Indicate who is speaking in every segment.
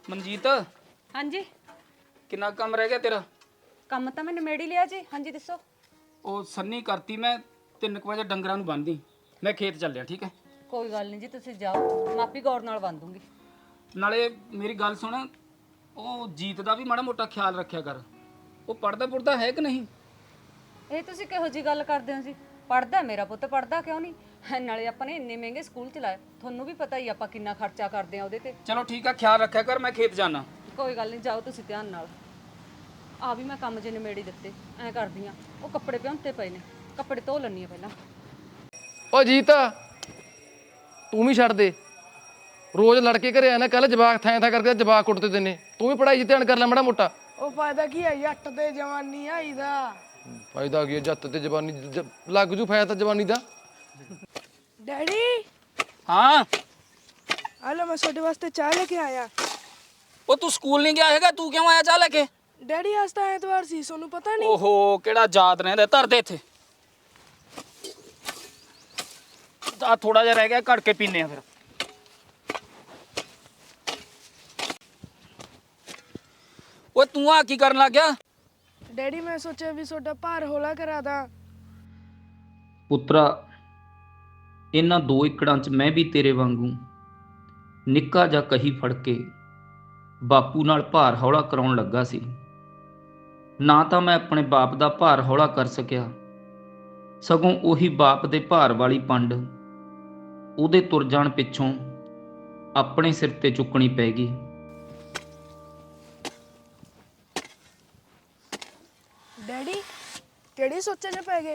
Speaker 1: ਮਨਜੀਤ
Speaker 2: ਹਾਂਜੀ
Speaker 1: ਕਿੰਨਾ ਕੰਮ ਰਹਿ ਗਿਆ ਤੇਰਾ?
Speaker 2: ਕੰਮ ਤਾਂ ਮੈਂ ਨਿਮੇੜ ਹੀ ਲਿਆ ਜੀ। ਹਾਂਜੀ ਦੱਸੋ।
Speaker 1: ਉਹ ਸੰਨੀ ਕਰਤੀ ਮੈਂ 3 ਵਜੇ ਡੰਗਰਾਂ ਨੂੰ ਬੰਨ੍ਹਦੀ। ਮੈਂ ਖੇਤ ਚੱਲਿਆ, ਠੀਕ ਹੈ?
Speaker 2: ਕੋਈ ਗੱਲ ਨਹੀਂ ਜੀ, ਤੁਸੀਂ ਜਾਓ, ਮਾਪੀ ਗੌਰ ਨਾਲ ਬੰਨ ਦੂੰਗੀ।
Speaker 1: ਨਾਲੇ ਮੇਰੀ ਗੱਲ ਸੁਣ, ਉਹ ਜੀਤ ਦਾ ਵੀ ਮਾੜਾ ਮੋਟਾ ਖਿਆਲ ਰੱਖਿਆ ਕਰ। ਉਹ ਪੜਦਾ ਪੁੜਦਾ ਹੈ ਕਿ ਨਹੀਂ?
Speaker 2: ਇਹ ਤੁਸੀਂ ਕਿਹੋ ਜੀ ਗੱਲ ਕਰਦੇ ਹੋ ਜੀ? ਪੜਦਾ ਮੇਰਾ ਪੁੱਤ, ਪੜਦਾ ਕਿਉਂ ਨਹੀਂ? ਨਾਲੇ ਆਪਾਂ ਨੇ ਇੰਨੇ ਮਹਿੰਗੇ ਸਕੂਲ ਚਲਾਏ, ਤੁਹਾਨੂੰ ਵੀ ਪਤਾ ਹੀ ਆਪਾਂ ਕਿੰਨਾ ਖਰਚਾ ਕਰਦੇ ਆ ਉਹਦੇ ਤੇ।
Speaker 1: ਚਲੋ ਠੀਕ ਆ, ਖਿਆਲ ਰੱਖਿਆ ਕਰ, ਮੈਂ ਖੇਤ ਜਾਣਾ।
Speaker 2: ਕੋਈ ਗੱਲ ਨਹੀਂ, ਜਾਓ ਤੁਸੀਂ ਧਿਆਨ ਨਾਲ। ਆ ਵੀ ਮੈਂ ਕੰਮ ਜੇ ਨਿਮੇੜ ਹੀ ਦਿੱਤੇ। ਐਂ ਕਰਦੀ ਆ, ਉਹ ਕੱਪੜੇ ਭਿਉਂਤੇ ਪਏ ਨੇ, ਕੱਪੜੇ ਧੋ ਲੈਣੀ ਆ ਪਹਿਲਾਂ।
Speaker 3: ਓ ਜੀਤ ਤੂੰ ਵੀ ਛੱਡ ਦੇ, ਰੋਜ਼ ਲੜਕੇ ਘਰੇ ਆਣਾ। ਕੱਲ ਜਵਾਕ ਥਾਂ ਥਾਂ ਕਰਕੇ ਜਵਾਕ ਕੁੱਟਦੇ ਤੈਨੇ। ਤੂੰ ਵੀ ਪੜ੍ਹਾਈ 'ਚ ਧਿਆਨ ਕਰ ਲੈ ਮਾੜਾ ਮੋਟਾ।
Speaker 4: ਉਹ ਫਾਇਦਾ ਕੀ ਹੈ, ਜੱਟ ਤੇ ਜਵਾਨੀ ਆਈ ਦਾ।
Speaker 3: ਫਾਇਦਾ ਕੀ ਹੈ ਜੱਤ ਤੇ ਜਵਾਨੀ ਲੱਗ ਜੂ ਫਾਇਦਾ ਜਵਾਨੀ ਦਾ।
Speaker 4: ਡੈਡੀ
Speaker 1: ਹਾਂ
Speaker 4: ਹਲੋ, ਮੈਂ ਤੁਹਾਡੇ ਵਾਸਤੇ ਚਾਹ ਲੈ ਕੇ ਆਇਆ।
Speaker 1: ਉਹ ਤੂੰ ਸਕੂਲ ਨਹੀਂ ਗਿਆ ਹੈਗਾ, ਤੂੰ ਕਿਉਂ ਆਇਆ ਚਾਹ ਲੈ ਕੇ?
Speaker 4: ਡੈਡੀ ਅੱਜ ਤਾਂ ਐਤਵਾਰ ਸੀ, ਤੁਹਾਨੂੰ ਪਤਾ ਨਹੀਂ?
Speaker 1: ਓਹੋ, ਕਿਹੜਾ ਯਾਦ ਰਹਿੰਦਾ। ਧਰ ਦੇ ਇੱਥੇ, ਆ ਥੋੜਾ ਜਿਹਾ ਰਹਿ ਗਿਆ, ਘੜ ਕੇ ਪੀਨੇ ਆ ਫਿਰ। ਓਏ ਤੂੰ ਆ ਕੀ ਕਰਨ ਲੱਗ ਗਿਆ?
Speaker 4: ਡੈਡੀ ਮੈਂ ਸੋਚਿਆ ਵੀ ਤੁਹਾਡਾ ਭਾਰ ਹੌਲਾ ਕਰਾ ਦਾਂ।
Speaker 1: ਪੁੱਤਰਾ, ਇਹਨਾਂ 2 ਏਕੜਾਂ 'ਚ ਮੈਂ ਵੀ ਤੇਰੇ ਵਾਂਗੂ ਨਿੱਕਾ ਜਿਹਾ ਕਹੀ ਫੜ ਕੇ ਬਾਪੂ ਨਾਲ ਭਾਰ ਹੌਲਾ ਕਰਾਉਣ ਲੱਗਾ ਸੀ। ਨਾ ਤਾਂ ਮੈਂ ਆਪਣੇ ਬਾਪ ਦਾ ਭਾਰ ਹੌਲਾ ਕਰ ਸਕਿਆ, ਸਗੋਂ ਉਹੀ ਬਾਪ ਦੇ ਭਾਰ ਵਾਲੀ ਪੰਡ ਉਹਦੇ ਤੁਰ ਜਾਣ ਪਿੱਛੋਂ ਆਪਣੇ ਸਿਰ ਤੇ ਚੁੱਕਣੀ ਪੈ ਗਈ।
Speaker 4: ਡੈਡੀ ਕਿਹੜੀ ਸੋਚਾਂ 'ਚ ਪੈ ਗਏ?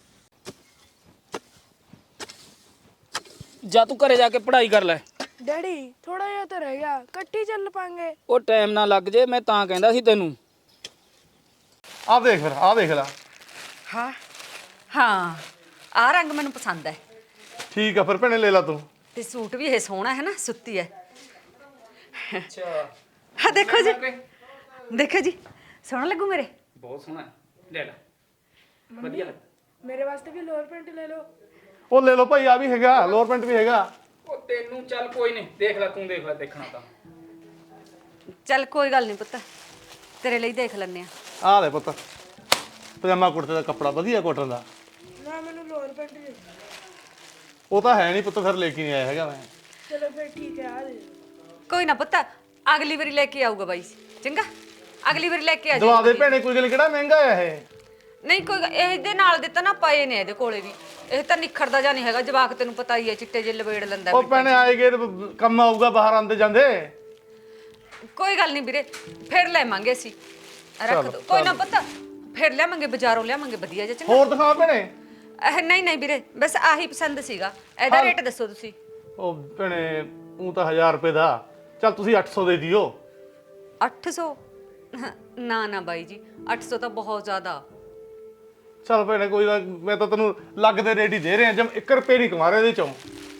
Speaker 1: ਜਾ ਤੂੰ ਘਰੇ ਜਾ ਕੇ ਪੜ੍ਹਾਈ ਕਰ ਲੈ।
Speaker 4: ਡੈਡੀ ਥੋੜਾ ਜਿਹਾ ਤਾਂ ਰਹਿ ਗਿਆ, ਇਕੱਠੀ ਚੱਲ ਪਾਂਗੇ।
Speaker 1: ਉਹ ਟਾਈਮ ਨਾ ਲੱਗ ਜੇ, ਮੈਂ ਤਾਂ ਕਹਿੰਦਾ ਸੀ ਤੈਨੂੰ।
Speaker 3: ਆਹ ਦੇਖ ਫਿਰ, ਆਹ ਦੇਖ ਲੈ।
Speaker 2: ਹਾਂ ਹਾਂ, ਆਹ ਰੰਗ ਮੈਨੂੰ ਪਸੰਦ ਹੈ।
Speaker 3: ਠੀਕ ਆ ਫਿਰ ਭੈਣੇ, ਲੈ ਲਾ ਤੂੰ।
Speaker 2: ਤੇ ਸੂਟ ਵੀ ਇਹ ਸੋਹਣਾ ਹੈ ਨਾ, ਸੁੱਤੀ ਹੈ।
Speaker 1: ਅੱਛਾ,
Speaker 2: ਹਾਂ ਦੇਖੋ ਜੀ, ਦੇਖੋ ਜੀ, ਸੋਹਣਾ ਲੱਗੂ ਮੇਰੇ।
Speaker 1: ਬਹੁਤ ਸੋਹਣਾ, ਲੈ ਲੈ, ਵਧੀਆ ਲੱਗ।
Speaker 4: ਮੇਰੇ ਵਾਸਤੇ ਵੀ ਲੋਅਰ ਪੈਂਟ ਲੈ ਲਓ।
Speaker 3: ਉਹ ਲੈ ਲਓ ਭਾਈ, ਆ ਵੀ ਹੈਗਾ, ਲੋਅਰ ਪੈਂਟ ਵੀ ਹੈਗਾ।
Speaker 1: ਉਹ ਤੈਨੂੰ ਚੱਲ ਕੋਈ ਨਹੀਂ, ਦੇਖ ਲੈ, ਤੂੰ ਦੇਖ ਲੈ, ਦੇਖਣਾ ਤਾਂ।
Speaker 2: ਚੱਲ ਕੋਈ ਗੱਲ ਨਹੀਂ ਪੁੱਤ, ਤੇਰੇ ਲਈ ਦੇਖ ਲੈਂਦੇ ਆ।
Speaker 3: ਆਹ ਲੈ ਪੁੱਤ, ਪਜਾਮਾ ਕੁੜਤੇ ਦਾ ਕੱਪੜਾ ਵਧੀਆ ਕੋਟਨ ਦਾ।
Speaker 4: ਨਾ ਮੈਨੂੰ ਲੋਅਰ ਪੈਂਟ ਦੇ।
Speaker 3: ਉਹ ਤਾਂ ਹੈ ਨਹੀਂ ਪੁੱਤ, ਫਿਰ ਲੈ ਕੇ ਨਹੀਂ ਆਇਆ ਹੈਗਾ ਮੈਂ।
Speaker 4: ਚਲੋ ਫਿਰ ਠੀਕ ਹੈ, ਆ ਦੇ।
Speaker 2: ਕੋਈ ਨਾ ਪੁੱਤ, ਅਗਲੀ ਵਾਰੀ ਲੈ ਕੇ ਆਊਗਾ ਬਾਈ, ਚੰਗਾ? ਅਗਲੀ ਵਾਰੀ ਲੈ ਕੇ ਆ
Speaker 3: ਦਵਾ ਦੇ
Speaker 2: ਜਾਊਗਾ।
Speaker 3: ਭੈਣੇ, ਕੋਈ ਗੱਲ ਕਿਹੜਾ ਮਹਿੰਗਾ ਆ ਇਹ।
Speaker 2: ਨਹੀਂ ਕੋਈ ਇਹਦੇ ਨਾਲ ਦਿੱਤਾ ਨਾ, ਪਏ ਨੇ ਇਹਦੇ ਕੋਲੇ ਵੀ। ਇਹ ਤਾਂ ਨਿਖਰਦਾ ਜਾਂ ਨਹੀਂ ਹੈਗਾ, ਜਵਾਕ ਤੈਨੂੰ ਪਤਾ ਹੀ ਹੈ, ਚਿੱਟੇ ਜਿਹੇ ਲਵੇੜ ਲੈਂਦਾ।
Speaker 3: ਉਹ ਭੈਣੇ ਆਏਗੇ ਕੰਮ ਆਊਗਾ ਬਾਹਰ ਆਂਦੇ ਜਾਂਦੇ।
Speaker 2: ਕੋਈ ਗੱਲ ਨਹੀਂ ਵੀਰੇ, ਫਿਰ ਲੈਵਾਂਗੇ ਅਸੀਂ। ਰੱਖ ਦੋ, ਕੋਈ ਨਾ ਪੁੱਤ, ਫਿਰ ਲਿਆਵਾਂਗੇ, ਬਾਜ਼ਾਰੋਂ ਲਿਆਵਾਂਗੇ ਵਧੀਆ ਜਿਹਾ, ਚੰਗਾ?
Speaker 3: ਹੋਰ ਦਿਖਾ ਭੈਣੇ।
Speaker 2: ਨਹੀਂ ਨਹੀਂ ਵੀਰੇ, ਬਸ ਆਹੀ ਪਸੰਦ ਸੀਗਾ। ਇਹਦਾ ਰੇਟ ਦੱਸੋ ਤੁਸੀਂ।
Speaker 3: ਉਹ ਭੈਣੇ ਉਹ ਤਾਂ 1000 ਰੁਪਏ ਦਾ, ਚੱਲ ਤੁਸੀਂ 800 ਦੇ ਦਿਓ।
Speaker 2: 800? ਨਾ ਨਾ ਬਾਈ ਜੀ, 800 ਤਾਂ ਬਹੁਤ ਜ਼ਿਆਦਾ।
Speaker 3: ਚੱਲ ਭੈਣੇ ਕੋਈ ਨਾ, ਮੈਂ ਤਾਂ ਤੈਨੂੰ ਲੱਗਦੇ ਰੇਟ ਹੀ ਦੇ ਰਿਹਾ, ਜਮ 1 ਰੁਪਏ ਨਹੀਂ ਕਮਾ ਰਿਹਾ ਇਹਦੇ ਚੋਂ।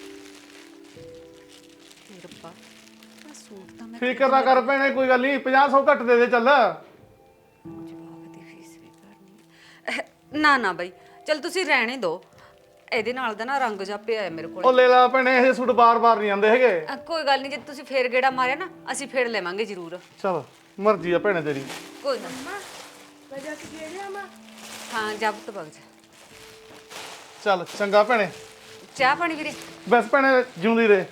Speaker 2: ਤੇ ਰੱਬਾ, ਆਹ ਸੂਟ ਤਾਂ ਮੈਂ
Speaker 3: ਫਿਕਰ ਨਾ ਕਰ ਭੈਣੇ, ਕੋਈ ਗੱਲ ਨਹੀਂ, 50-100 ਘੱਟ ਦੇ ਦੇ ਚੱਲ।
Speaker 2: ਜਵਾਕ ਦੀ ਫੀਸ ਵੀ ਭਰਨੀ ਹੈ। ਨਾ ਨਾ ਬਾਈ, ਚਲ ਤੁਸੀਂ ਰਹਿਣੇ ਦਿਓ। ਇਹਦੇ ਨਾਲ ਦਾ ਨਾ ਰੰਗ ਜਿਹਾ ਪਿਆ ਹੈ ਮੇਰੇ ਕੋਲ।
Speaker 3: ਉਹ ਲੈ ਲਾ ਭੈਣੇ, ਇਹ ਸੂਟ ਬਾਰ-ਬਾਰ ਨਹੀਂ ਆਉਂਦੇ ਹੈਗੇ।
Speaker 2: ਕੋਈ ਗੱਲ ਨਹੀਂ, ਜੇ ਤੁਸੀਂ ਫੇਰ ਗੇੜਾ ਮਾਰਿਆ ਨਾ, ਅਸੀਂ ਫੇਰ ਲੈਵਾਂਗੇ ਜ਼ਰੂਰ।
Speaker 3: ਚੱਲ ਮਰਜ਼ੀ ਆ ਭੈਣੇ ਤੇਰੀ।
Speaker 2: ਕੋਈ ਨਾ।
Speaker 4: ਮੈਂ ਜਾ ਕੇ ਦੇ ਰਿਹਾ ਮਾਂ।
Speaker 2: ਹਾਂ ਜਬ ਤੋਂ ਬਗ ਜਾ।
Speaker 3: ਚੱਲ ਚੰਗਾ ਭੈਣੇ,
Speaker 2: ਚਾਹ ਪਾਣੀ ਵੀਰੇ?
Speaker 3: ਬਸ ਭੈਣੇ ਜਿਉਂਦੀ ਰਹੇ।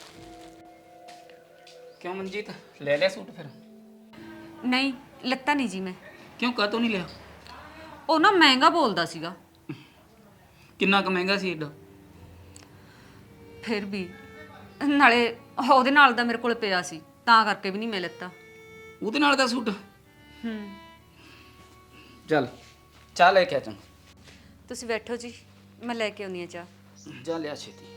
Speaker 1: ਕਿਉਂ ਮਨਜੀਤ, ਲੈ ਲਿਆ ਸੂਟ ਫਿਰ?
Speaker 2: ਨਹੀਂ ਲੱਤਾ ਨਹੀਂ ਜੀ ਮੈਂ।
Speaker 1: ਕਿਉਂ, ਕਾਹਤੋਂ ਨਹੀਂ ਲਿਆ?
Speaker 2: ਉਹ ਨਾ ਮਹਿੰਗਾ ਬੋਲਦਾ ਸੀਗਾ।
Speaker 1: ਕਿੰਨਾ ਕੁ ਮਹਿੰਗਾ ਸੀ ਏਡਾ?
Speaker 2: ਫਿਰ ਵੀ ਨਾਲੇ ਉਹਦੇ ਨਾਲ ਦਾ ਮੇਰੇ ਕੋਲ ਪਿਆ ਸੀ, ਤਾਂ ਕਰਕੇ ਵੀ ਨਹੀਂ ਮੈਂ ਲੱਤਾ।
Speaker 1: ਉਹਦੇ ਨਾਲ ਦਾ ਸੂਟ? ਚੱਲ ਚਾਹ ਲੈ ਕੇ ਆ ਚੰਗਾ।
Speaker 2: ਤੁਸੀਂ ਬੈਠੋ ਜੀ, ਮੈਂ ਲੈ ਕੇ ਆਉਂਦੀ ਹਾਂ ਚਾਹ।
Speaker 1: ਜਾ ਲਿਆ ਛੇਤੀ।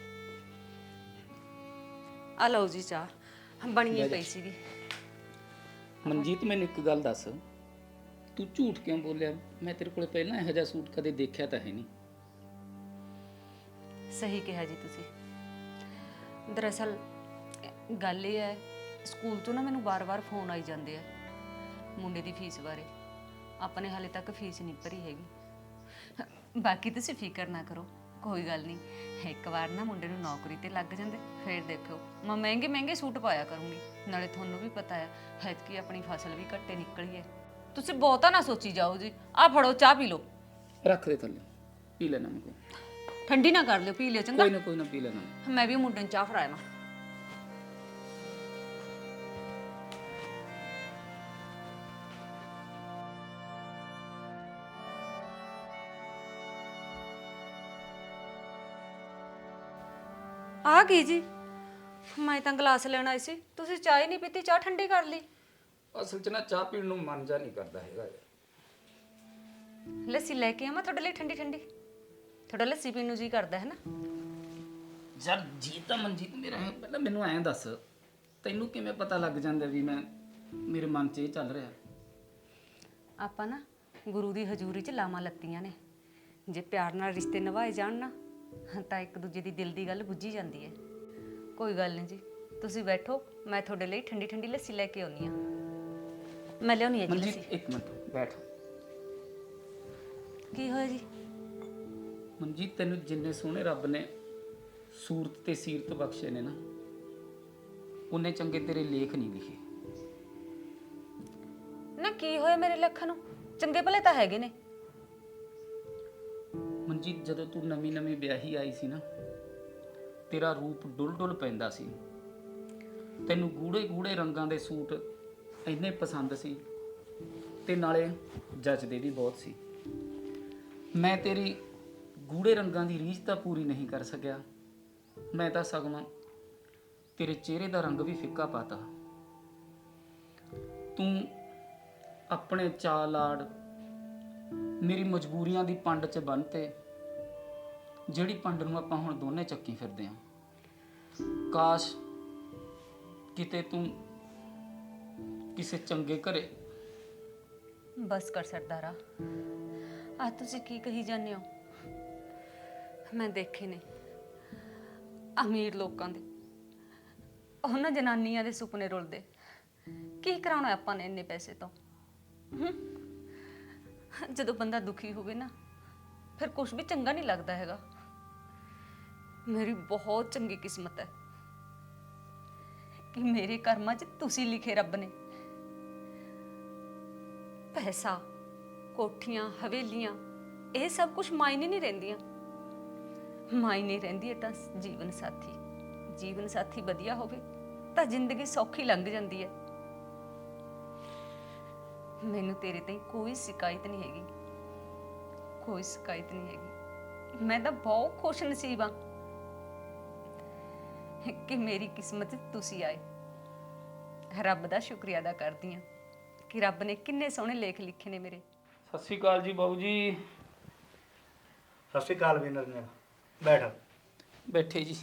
Speaker 2: ਆ ਲਓ ਜੀ ਚਾਹ, ਬਣੀ ਪਈ ਸੀਗੀ।
Speaker 1: ਮਨਜੀਤ ਮੈਨੂੰ ਇੱਕ ਗੱਲ ਦੱਸ, ਤੂੰ ਝੂਠ ਕਿਉਂ ਬੋਲਿਆ? ਮੈਂ ਤੇਰੇ ਕੋਲੇ ਪਹਿਲਾਂ ਇਹੋ ਜਿਹਾ ਸੂਟ ਕਦੇ ਦੇਖਿਆ ਤਾਂ ਹੈ ਨਹੀਂ।
Speaker 2: ਸਹੀ ਕਿਹਾ ਜੀ ਤੁਸੀਂ। ਦਰਅਸਲ ਗੱਲ ਇਹ ਹੈ, ਸਕੂਲ ਤੋਂ ਨਾ ਮੈਨੂੰ ਵਾਰ-ਵਾਰ ਫੋਨ ਆਈ ਜਾਂਦੇ ਆ ਮੁੰਡੇ ਦੀ ਫੀਸ ਬਾਰੇ। ਆਪਾਂ ਨੇ ਹਾਲੇ ਤੱਕ ਫੀਸ ਨਹੀਂ ਭਰੀ ਹੈਗੀ। ਬਾਕੀ ਤੁਸੀਂ ਫਿਕਰ ਨਾ ਕਰੋ, ਕੋਈ ਗੱਲ ਨਹੀਂ, ਇੱਕ ਵਾਰ ਨਾ ਮੁੰਡੇ ਨੂੰ ਨੌਕਰੀ ਤੇ ਲੱਗ ਜਾਂਦੇ ਫਿਰ ਦੇਖੋ ਮੈਂ ਮਹਿੰਗੇ ਮਹਿੰਗੇ ਸੂਟ ਪਾਇਆ ਕਰੂੰਗੀ। ਨਾਲੇ ਤੁਹਾਨੂੰ ਵੀ ਪਤਾ ਹੈ ਐਤਕੀ ਆਪਣੀ ਫਸਲ ਵੀ ਘੱਟੇ ਨਿਕਲੀ ਹੈ। ਤੁਸੀਂ ਬਹੁਤਾ ਨਾ ਸੋਚੀ ਜਾਓ ਜੀ। ਆ ਫੜੋ ਚਾਹ ਪੀ ਲਓ।
Speaker 1: ਰੱਖ ਦੇ ਥੱਲੇ, ਪੀ ਲੈਣਾ ਮੈਂ ਕੋਈ।
Speaker 2: ਠੰਡੀ ਨਾ ਕਰ ਲਿਓ, ਪੀ ਲਿਓ ਚੰਗਾ।
Speaker 1: ਕੋਈ ਨਾ ਪੀ ਲੈਣਾ।
Speaker 2: ਮੈਂ ਵੀ ਮੁੰਡੇ ਨੂੰ ਚਾਹ ਫੜਾਇਆ ਨਾ। ਆ ਗਈ ਜੀ, ਮੈਂ ਤਾਂ ਗਲਾਸ ਲੈਣ ਆਈ ਸੀ, ਤੁਸੀਂ ਚਾਹ ਹੀ ਨਹੀਂ ਪੀਤੀ, ਚਾਹ ਠੰਡੀ ਕਰ ਲਈ।
Speaker 1: ਅਸਲ 'ਚ ਨਾ ਚਾਹ ਪੀਣ ਨੂੰ ਮਨ ਜਾ ਨਹੀਂ ਕਰਦਾ ਹੈਗਾ।
Speaker 2: ਲੱਸੀ ਲੈ ਕੇ ਆਵਾਂ ਤੁਹਾਡੇ ਲਈ ਠੰਡੀ ਠੰਡੀ? ਤੁਹਾਡਾ ਲੱਸੀ ਪੀਣ ਨੂੰ ਜੀ ਕਰਦਾ ਹੈ ਨਾ?
Speaker 1: ਯਾਰ ਜੀ ਤਾਂ ਮਨਜੀਤ ਮੇਰਾ ਹੈ, ਪਹਿਲਾਂ ਮੈਨੂੰ ਐਂ ਦੱਸ, ਤੈਨੂੰ ਕਿਵੇਂ ਪਤਾ ਲੱਗ ਜਾਂਦਾ ਵੀ ਮੇਰੇ ਮਨ 'ਚ ਇਹ ਚੱਲ ਰਿਹਾ?
Speaker 2: ਆਪਾਂ ਨਾ ਗੁਰੂ ਦੀ ਹਜ਼ੂਰੀ 'ਚ ਲਾਵਾਂ ਲੱਤੀਆਂ ਨੇ। ਜੇ ਪਿਆਰ ਨਾਲ ਰਿਸ਼ਤੇ ਨਿਭਾਏ ਜਾਣ ਨਾ ਤਾਂ ਇੱਕ ਦੂਜੇ ਦੀ ਦਿਲ ਦੀ ਗੱਲ ਬੁੱਝੀ ਜਾਂਦੀ ਹੈ। ਕੋਈ ਗੱਲ ਨਹੀਂ ਜੀ, ਤੁਸੀਂ ਬੈਠੋ, ਮੈਂ ਤੁਹਾਡੇ ਲਈ ਠੰਡੀ ਠੰਡੀ ਲੱਸੀ ਲੈ ਕੇ ਆਉਣੀ ਆ। ਮੈਂ ਲਿਆਉਣੀ ਹੈ ਜੀ
Speaker 1: ਮਨਜੀਤ
Speaker 2: ਲੱਸੀ।
Speaker 1: ਇੱਕ ਮਿੰਟ ਬੈਠ।
Speaker 2: ਕੀ ਹੋਇਆ ਜੀ?
Speaker 1: ਮਨਜੀਤ ਤੈਨੂੰ ਜਿੰਨੇ ਸੋਹਣੇ ਰੱਬ ਨੇ ਸੂਰਤ ਤੇ ਸੀਰਤ ਬਖਸ਼ੇ ਨੇ ਨਾ, ਉਹਨੇ ਚੰਗੇ ਤੇਰੇ ਲੇਖ ਨਹੀਂ ਲਿਖੇ।
Speaker 2: ਨਾ ਕੀ ਹੋਇਆ ਮੇਰੇ ਲੱਖਾਂ ਨੂੰ? ਚੰਗੇ ਭਲੇ ਤਾਂ ਹੈਗੇ ਨੇ।
Speaker 1: ਮਨਜੀਤ ਜਦੋਂ ਤੂੰ ਨਵੀਂ ਨਵੀਂ ਵਿਆਹੀ ਆਈ ਸੀ ਨਾ, ਤੇਰਾ ਰੂਪ ਡੁੱਲ ਡੁੱਲ ਪੈਂਦਾ ਸੀ। ਤੈਨੂੰ ਗੂੜੇ ਗੂੜੇ ਰੰਗਾਂ ਦੇ ਸੂਟ ਇੰਨੇ ਪਸੰਦ ਸੀ ਤੇ ਨਾਲੇ ਜੱਚਦੇ ਵੀ ਬਹੁਤ ਸੀ। ਮੈਂ ਤੇਰੀ ਗੂੜੇ ਰੰਗਾਂ ਦੀ ਰੀਝ ਤਾਂ ਪੂਰੀ ਨਹੀਂ ਕਰ ਸਕਿਆ, ਮੈਂ ਤਾਂ ਸਗੋਂ ਤੇਰੇ ਚਿਹਰੇ ਦਾ ਰੰਗ ਵੀ ਫਿੱਕਾ ਪਾਤਾ। ਤੂੰ ਆਪਣੇ ਚਾਅ ਲਾੜ ਮੇਰੀ ਮਜਬੂਰੀਆਂ ਦੀ ਪੰਡ 'ਚ ਬੰਨ੍ਹਤੇ, ਜਿਹੜੀ ਪੰਡ ਨੂੰ ਆਪਾਂ ਹੁਣ ਦੋਨੇ ਚੱਕੀ ਫਿਰਦੇ ਆਂ। ਕਾਸ਼ ਕਿਤੇ ਤੂੰ ਕਿਸੇ ਚੰਗੇ ਘਰੇ।
Speaker 2: ਬਸ ਕਰ ਸਰਦਾਰਾ, ਆ ਤੁਸੀਂ ਕੀ ਕਹੀ ਜਾਂਦੇ ਹੋ? ਮੈਂ ਦੇਖੇ ਨੇ ਅਮੀਰ ਲੋਕਾਂ ਦੇ, ਉਹਨਾਂ ਜਨਾਨੀਆਂ ਦੇ ਸੁਪਨੇ ਰੁਲਦੇ। ਕੀ ਕਰਾਉਣਾ ਆਪਾਂ ਨੇ ਇੰਨੇ ਪੈਸੇ ਤੋਂ? ਜਦੋਂ ਬੰਦਾ ਦੁਖੀ ਹੋਵੇ ਨਾ, ਫਿਰ ਕੁਝ ਵੀ ਚੰਗਾ ਨਹੀਂ ਲੱਗਦਾ ਹੈਗਾ। ਮੇਰੀ ਬਹੁਤ ਚੰਗੀ ਕਿਸਮਤ ਹੈ ਕਿ ਮੇਰੇ ਕਰਮਾਂ 'ਚ ਤੁਸੀਂ ਲਿਖੇ ਰੱਬ ਨੇ। ਪੈਸਾ, ਕੋਠੀਆਂ, ਹਵੇਲੀਆਂ, ਇਹ ਸਭ ਕੁਝ ਮਾਇਨੇ ਨਹੀਂ ਰਹਿੰਦੀਆਂ। ਮਾਇਨੇ ਰਹਿੰਦੀ ਹੈ ਤਾਂ ਜੀਵਨ ਸਾਥੀ। ਜੀਵਨ ਸਾਥੀ ਵਧੀਆ ਹੋਵੇ ਤਾਂ ਜ਼ਿੰਦਗੀ ਸੌਖੀ ਲੰਘ ਜਾਂਦੀ ਹੈ। ਮੈਨੂੰ ਤੇਰੇ ਤੇ ਕੋਈ ਸ਼ਿਕਾਇਤ ਨਹੀਂ ਹੈਗੀ, ਕੋਈ ਸ਼ਿਕਾਇਤ ਨਹੀਂ ਹੈਗੀ। ਮੈਂ ਤਾਂ ਬਹੁਤ ਖੁਸ਼ ਨਸੀਬ ਹਾਂ ਕਿ ਮੇਰੀ ਕਿਸਮਤ 'ਚ ਤੁਸੀਂ ਆਏ। ਰੱਬ ਦਾ ਸ਼ੁਕਰੀਆ ਅਦਾ ਕਰਦੀ ਹਾਂ ਕਿ ਰੱਬ ਨੇ ਕਿੰਨੇ ਸੋਹਣੇ ਲੇਖ ਲਿਖੇ ਨੇ ਮੇਰੇ।
Speaker 1: ਸਤਿ ਸ਼੍ਰੀ ਅਕਾਲ ਜੀ ਬਾਬੂ ਜੀ।
Speaker 5: ਸਤਿ ਸ਼੍ਰੀ ਅਕਾਲ ਵੀ ਨਰਨਿਆ, ਬੈਠ।
Speaker 1: ਬੈਠੇ ਜੀ।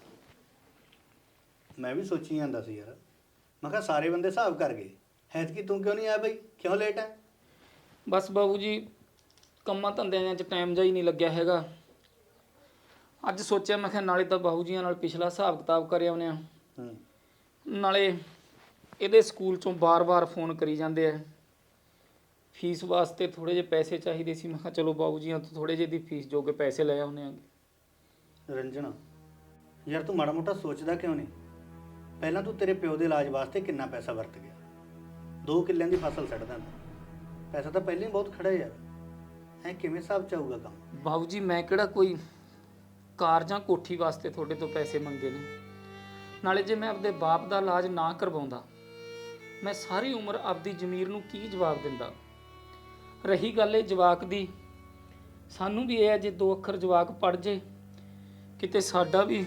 Speaker 5: ਮੈਂ ਵੀ ਸੋਚੀ ਜਾਂਦਾ ਸੀ ਯਾਰ, ਮੈਂ ਕਿਹਾ ਸਾਰੇ ਬੰਦੇ ਹਿਸਾਬ ਕਰ ਗਏ, ਐਤਕੀ ਤੂੰ ਕਿਉਂ ਨਹੀਂ ਆਇਆ ਬਈ? ਕਿਉਂ ਲੇਟ ਹੈ?
Speaker 1: ਬਸ ਬਾਬੂ ਜੀ ਕੰਮਾਂ ਧੰਦਿਆਂ 'ਚ ਟਾਈਮ ਜਾ ਹੀ ਨਹੀਂ ਲੱਗਿਆ ਹੈਗਾ। ਅੱਜ ਸੋਚਿਆ ਮੈਂ ਕਿਹਾ ਨਾਲੇ ਤਾਂ ਬਾਬੂ ਜੀਆਂ ਨਾਲ ਪਿਛਲਾ ਹਿਸਾਬ ਕਿਤਾਬ ਕਰ ਆਉਂਦੇ ਆ, ਨਾਲੇ ਇਹਦੇ ਸਕੂਲ 'ਚੋਂ ਬਾਰ-ਬਾਰ ਫੋਨ ਕਰੀ ਜਾਂਦੇ ਆ, ਫੀਸ ਵਾਸਤੇ ਥੋੜ੍ਹੇ ਜਿਹੇ ਪੈਸੇ ਚਾਹੀਦੇ ਸੀ। ਮੈਂ ਕਿਹਾ ਚਲੋ ਬਾਬੂ ਜੀਆਂ ਤੋਂ ਥੋੜ੍ਹੇ ਜਿਹੇ ਦੀ ਫੀਸ ਜੋਗੇ ਪੈਸੇ ਲੈ ਆਉਂਦੇ ਆ।
Speaker 5: ਰੰਜਣਾ ਯਾਰ, ਤੂੰ ਮਾੜਾ ਮੋਟਾ ਸੋਚਦਾ ਕਿਉਂ ਨਹੀਂ? ਪਹਿਲਾਂ ਤੂੰ ਤੇਰੇ ਪਿਓ ਦੇ ਇਲਾਜ ਵਾਸਤੇ ਕਿੰਨਾ ਪੈਸਾ ਵਰਤ ਗਿਆ? 2 ਕਿੱਲਿਆਂ ਦੀ ਫਸਲ ਛੱਡ ਦਿੰਦਾ, ਪੈਸਾ ਤਾਂ ਪਹਿਲਾਂ ਹੀ ਬਹੁਤ ਖੜਾ ਯਾਰ। ਐ ਕਿਵੇਂ ਹਿਸਾਬ ਚ ਆਊਗਾ ਕੰਮ?
Speaker 1: ਬਾਬੂ ਜੀ ਮੈਂ ਕਿਹੜਾ ਕੋਈ ਕਾਰ ਜਾਂ ਕੋਠੀ ਵਾਸਤੇ ਤੁਹਾਡੇ ਤੋਂ ਪੈਸੇ ਮੰਗੇ ਨੇ। ਨਾਲੇ ਜੇ ਮੈਂ ਆਪਦੇ ਬਾਪ ਦਾ ਇਲਾਜ ਨਾ ਕਰਵਾਉਂਦਾ, ਮੈਂ ਸਾਰੀ ਉਮਰ ਆਪਦੀ ਜ਼ਮੀਰ ਨੂੰ ਕੀ ਜਵਾਬ ਦਿੰਦਾ? ਰਹੀ ਗੱਲ ਇਹ ਜਵਾਕ ਦੀ, ਸਾਨੂੰ ਵੀ ਇਹ ਹੈ ਜੇ 2 ਅੱਖਰ ਜਵਾਕ ਪੜ ਜੇ, ਕਿਤੇ ਸਾਡਾ ਵੀ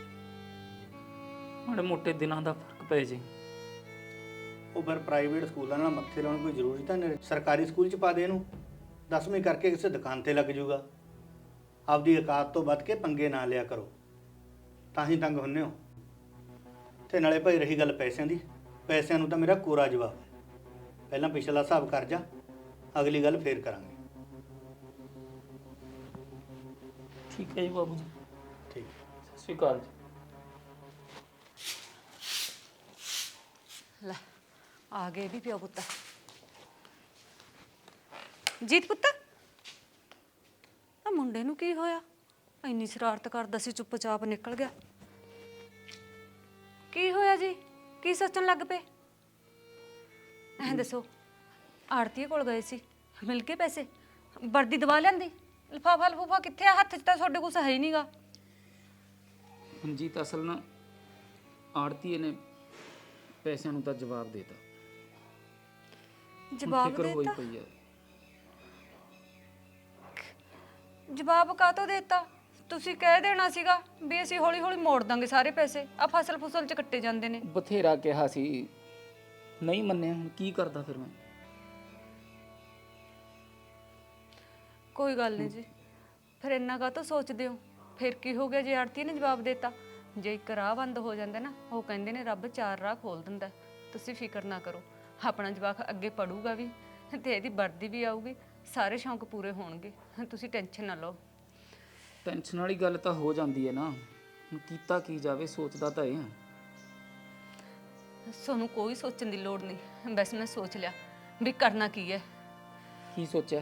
Speaker 1: ਮਾੜੇ ਮੋਟੇ ਦਿਨਾਂ ਦਾ ਫਰਕ ਪੈ ਜੇ।
Speaker 5: ਉਹ ਫਿਰ ਪ੍ਰਾਈਵੇਟ ਸਕੂਲਾਂ ਨਾਲ ਮੱਥੇ ਲਾਉਣ ਕੋਈ ਜ਼ਰੂਰੀ ਤਾਂ ਨਹੀਂ। ਸਰਕਾਰੀ ਸਕੂਲ ਚ ਪਾ ਦੇ ਇਹਨੂੰ, 10ਵੀਂ ਕਰਕੇ ਕਿਸੇ ਦੁਕਾਨ ਤੇ ਲੱਗ ਜਾਊਗਾ। ਆਪਦੀ ਔਕਾਤ ਤੋਂ ਵੱਧ ਕੇ ਪੰਗੇ ਨਾ ਲਿਆ ਕਰੋ, ਤਾਂ ਹੀ ਤੰਗ ਹੁੰਨੇ ਹੋ। ਤੇ ਨਾਲੇ ਭਾਈ ਰਹੀ ਗੱਲ ਪੈਸਿਆਂ ਦੀ, ਪੈਸਿਆਂ ਨੂੰ ਤਾਂ ਮੇਰਾ ਕੋਰਾ ਜਵਾਬ ਹੈ। ਪਹਿਲਾਂ ਪਿਛਲਾ ਹਿਸਾਬ ਕਰ ਜਾ, ਅਗਲੀ ਗੱਲ ਫੇਰ ਕਰਾਂਗੇ।
Speaker 1: ਠੀਕ ਹੈ ਜੀ ਬਾਬੂ ਜੀ।
Speaker 5: ਠੀਕ।
Speaker 1: ਸਤਿ ਸ਼੍ਰੀ ਅਕਾਲ ਜੀ।
Speaker 2: ਲੈ ਆ ਗਏ ਵੀ ਪਿਓ ਪੁੱਤ। ਜੀਤ ਪੁੱਤ, ਆ ਮੁੰਡੇ ਨੂੰ ਕੀ ਹੋਇਆ? ਇੰਨੀ ਸ਼ਰਾਰਤ ਕਰਦਾ ਸੀ, ਚੁੱਪਚਾਪ ਨਿਕਲ ਗਿਆ। ਕੀ ਹੋਇਆ ਜੀ? ਕੀ ਸੋਚਣ ਲੱਗ ਪਏ? ਐਂ ਦੱਸੋ, ਆੜਤੀਏ ਕੋਲ ਗਏ ਸੀ, ਮਿਲ ਕੇ ਪੈਸੇ, ਵਰਦੀ ਦਵਾ ਲਿਆਂਦੀ, ਲਿਫਾਫਾ ਲਫੂਫਾ ਕਿੱਥੇ ਆ? ਹੱਥ 'ਚ ਤਾਂ ਤੁਹਾਡੇ ਕੁਛ ਹੈ ਹੀ ਨਹੀਂਗਾ।
Speaker 1: ਮਨਜੀਤ ਅਸਲ ਨਾ ਆੜਤੀਏ ਨੇ ਪੈਸਿਆਂ ਨੂੰ ਤਾਂ ਜਵਾਬ ਦੇਤਾ।
Speaker 2: ਜਵਾਬ
Speaker 1: ਫਿਕਰ ਹੋਈ
Speaker 2: ਦੇਤਾ?
Speaker 1: ਪਈ ਹੈ।
Speaker 2: ਜਵਾਬ ਕਾਹਤੋਂ ਦੇਤਾ? ਤੁਸੀਂ ਕਹਿ ਦੇਣਾ ਸੀਗਾ ਵੀ ਅਸੀਂ ਹੌਲੀ ਹੌਲੀ ਮੋੜ ਦਾਂਗੇ ਸਾਰੇ ਪੈਸੇ, ਆ ਫਸਲ ਫੁਸਲ 'ਚ ਕੱਟੇ ਜਾਂਦੇ ਨੇ।
Speaker 1: ਬਥੇਰਾ ਕਿਹਾ ਸੀ, ਨਹੀਂ ਮੰਨਿਆ। ਹੁਣ ਕੀ ਕਰਦਾ ਫਿਰ ਮੈਂ?
Speaker 2: ਕੋਈ ਗੱਲ ਨਹੀਂ ਜੀ, ਫਿਰ ਇੰਨਾ ਕਾਹਤੋਂ ਸੋਚਦੇ ਹੋ? ਫਿਰ ਕੀ ਹੋ ਗਿਆ ਜੇ ਆੜਤੀ ਨੇ ਜਵਾਬ ਦੇਤਾ? ਜੇ ਇੱਕ ਰਾਹ ਬੰਦ ਹੋ ਜਾਂਦਾ ਨਾ, ਉਹ ਕਹਿੰਦੇ ਨੇ ਰੱਬ 4 ਰਾਹ ਖੋਲ ਦਿੰਦਾ। ਤੁਸੀਂ ਫਿਕਰ ਨਾ ਕਰੋ, ਆਪਣਾ ਜਵਾਕ ਅੱਗੇ ਪੜੂਗਾ ਵੀ ਤੇ ਇਹਦੀ ਵਰਦੀ ਵੀ ਆਊਗੀ, ਸਾਰੇ ਸ਼ੌਂਕ ਪੂਰੇ ਹੋਣਗੇ। ਤੁਸੀਂ ਟੈਨਸ਼ਨ ਨਾ ਲਓ।
Speaker 1: ਟੈਨਸ਼ਨ ਵਾਲੀ ਗੱਲ ਤਾਂ ਹੋ ਜਾਂਦੀ ਹੈ ਨਾ, ਹੁਣ ਕੀਤਾ ਕੀ ਜਾਵੇ, ਸੋਚਦਾ ਤਾਂ ਇਹ ਹਾਂ।
Speaker 2: ਤੁਹਾਨੂੰ ਕੋਈ ਸੋਚਣ ਦੀ ਲੋੜ ਨਹੀਂ, ਬਸ ਮੈਂ ਸੋਚ ਲਿਆ ਵੀ ਕਰਨਾ ਕੀ ਹੈ।
Speaker 1: ਕੀ ਸੋਚਿਆ?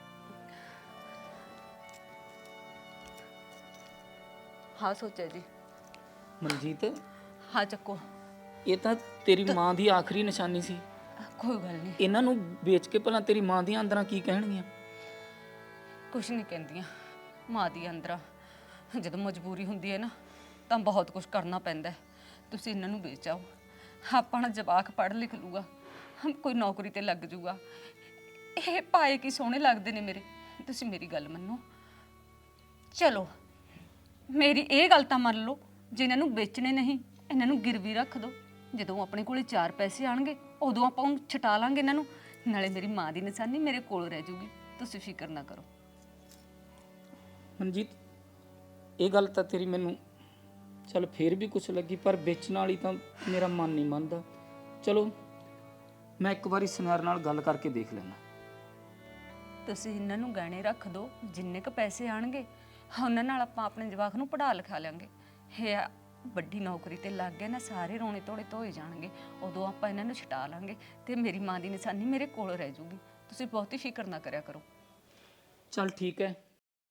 Speaker 2: ਹਾਂ ਸੋਚਿਆ ਜੀ।
Speaker 1: ਮਨਜੀਤ,
Speaker 2: ਹਾਂ ਚੱਕੋ।
Speaker 1: ਇਹ ਤਾਂ ਤੇਰੀ ਮਾਂ ਦੀ ਆਖਰੀ ਨਿਸ਼ਾਨੀ ਸੀ।
Speaker 2: ਕੋਈ ਗੱਲ ਨਹੀਂ,
Speaker 1: ਇਹਨਾਂ ਨੂੰ ਵੇਚ ਕੇ ਭਲਾ ਤੇਰੀ ਮਾਂ ਦੀਆਂ ਅੰਦਰਾਂ ਕੀ ਕਹਿਣਗੀਆਂ?
Speaker 2: ਕੁਛ ਨਹੀਂ ਕਹਿੰਦੀਆਂ। ਮਾਂ ਦੀ ਅੰਦਰਾਂ ਜਦੋਂ ਮਜਬੂਰੀ ਹੁੰਦੀ ਹੈ ਨਾ, ਤਾਂ ਬਹੁਤ ਕੁਝ ਕਰਨਾ ਪੈਂਦਾ ਹੈ। ਤੁਸੀਂ ਇਹਨਾਂ ਨੂੰ ਵੇਚ ਆਓ, ਆਪਣਾ ਜਵਾਕ ਪੜ੍ਹ ਲਿਖ ਲੂਗਾ, ਕੋਈ ਨੌਕਰੀ ਤੇ ਲੱਗ ਜੂਗਾ। ਇਹ ਪਾਏ ਕੀ ਸੋਹਣੇ ਲੱਗਦੇ ਨੇ ਮੇਰੇ। ਤੁਸੀਂ ਮੇਰੀ ਗੱਲ ਮੰਨੋ, ਚਲੋ ਮੇਰੀ ਇਹ ਗੱਲ ਤਾਂ ਮੰਨ ਲਓ, ਜੇ ਇਹਨਾਂ ਨੂੰ ਵੇਚਣੇ ਨਹੀਂ, ਇਹਨਾਂ ਨੂੰ ਗਿਰਵੀ ਰੱਖ ਦਿਓ। ਜਦੋਂ ਆਪਣੇ ਕੋਲੇ 4 ਪੈਸੇ ਆਣਗੇ, ਉਦੋਂ ਆਪਾਂ ਉਹਨੂੰ ਛਟਾ ਲਾਂਗੇ ਇਹਨਾਂ ਨੂੰ। ਨਾਲੇ ਮੇਰੀ ਮਾਂ ਦੀ ਨਿਸ਼ਾਨੀ ਮੇਰੇ ਕੋਲ ਰਹਿ ਜੂਗੀ। ਤੁਸੀਂ ਫਿਕਰ ਨਾ ਕਰੋ।
Speaker 1: ਮਨਜੀਤ, ਇਹ ਗੱਲ ਤਾਂ ਤੇਰੀ ਮੈਨੂੰ ਚੱਲ ਫੇਰ ਵੀ ਕੁਛ ਲੱਗੀ, ਪਰ ਵੇਚਣ ਵਾਲੀ ਤਾਂ ਮੇਰਾ ਮਨ ਨਹੀਂ ਮੰਨਦਾ। ਚਲੋ ਮੈਂ ਇੱਕ ਵਾਰੀ ਸੁਨਿਆਰ ਨਾਲ ਗੱਲ ਕਰਕੇ ਦੇਖ ਲੈਣਾ।
Speaker 2: ਤੁਸੀਂ ਇਹਨਾਂ ਨੂੰ ਗਹਿਣੇ ਰੱਖ ਦਿਓ, ਜਿੰਨੇ ਕ ਪੈਸੇ ਆਣਗੇ ਉਹਨਾਂ ਨਾਲ ਆਪਾਂ ਆਪਣੇ ਜਵਾਕ ਨੂੰ ਪੜ੍ਹਾ ਲਿਖਾ ਲਾਂਗੇ। ਇਹ ਵੱਡੀ ਨੌਕਰੀ ਤੇ ਲੱਗ ਗਿਆ ਨਾ, ਸਾਰੇ ਰੋਣੇ ਧੋੜੇ ਧੋਏ ਜਾਣਗੇ, ਉਦੋਂ ਆਪਾਂ ਇਹਨਾਂ ਨੂੰ ਛਟਾ ਲਾਂਗੇ ਤੇ ਮੇਰੀ ਮਾਂ ਦੀ ਨਿਸ਼ਾਨੀ ਮੇਰੇ ਕੋਲ ਰਹਿ ਜੂਗੀ। ਤੁਸੀਂ ਬਹੁਤੀ ਫਿਕਰ ਨਾ ਕਰਿਆ ਕਰੋ।
Speaker 1: ਚੱਲ ਠੀਕ ਹੈ।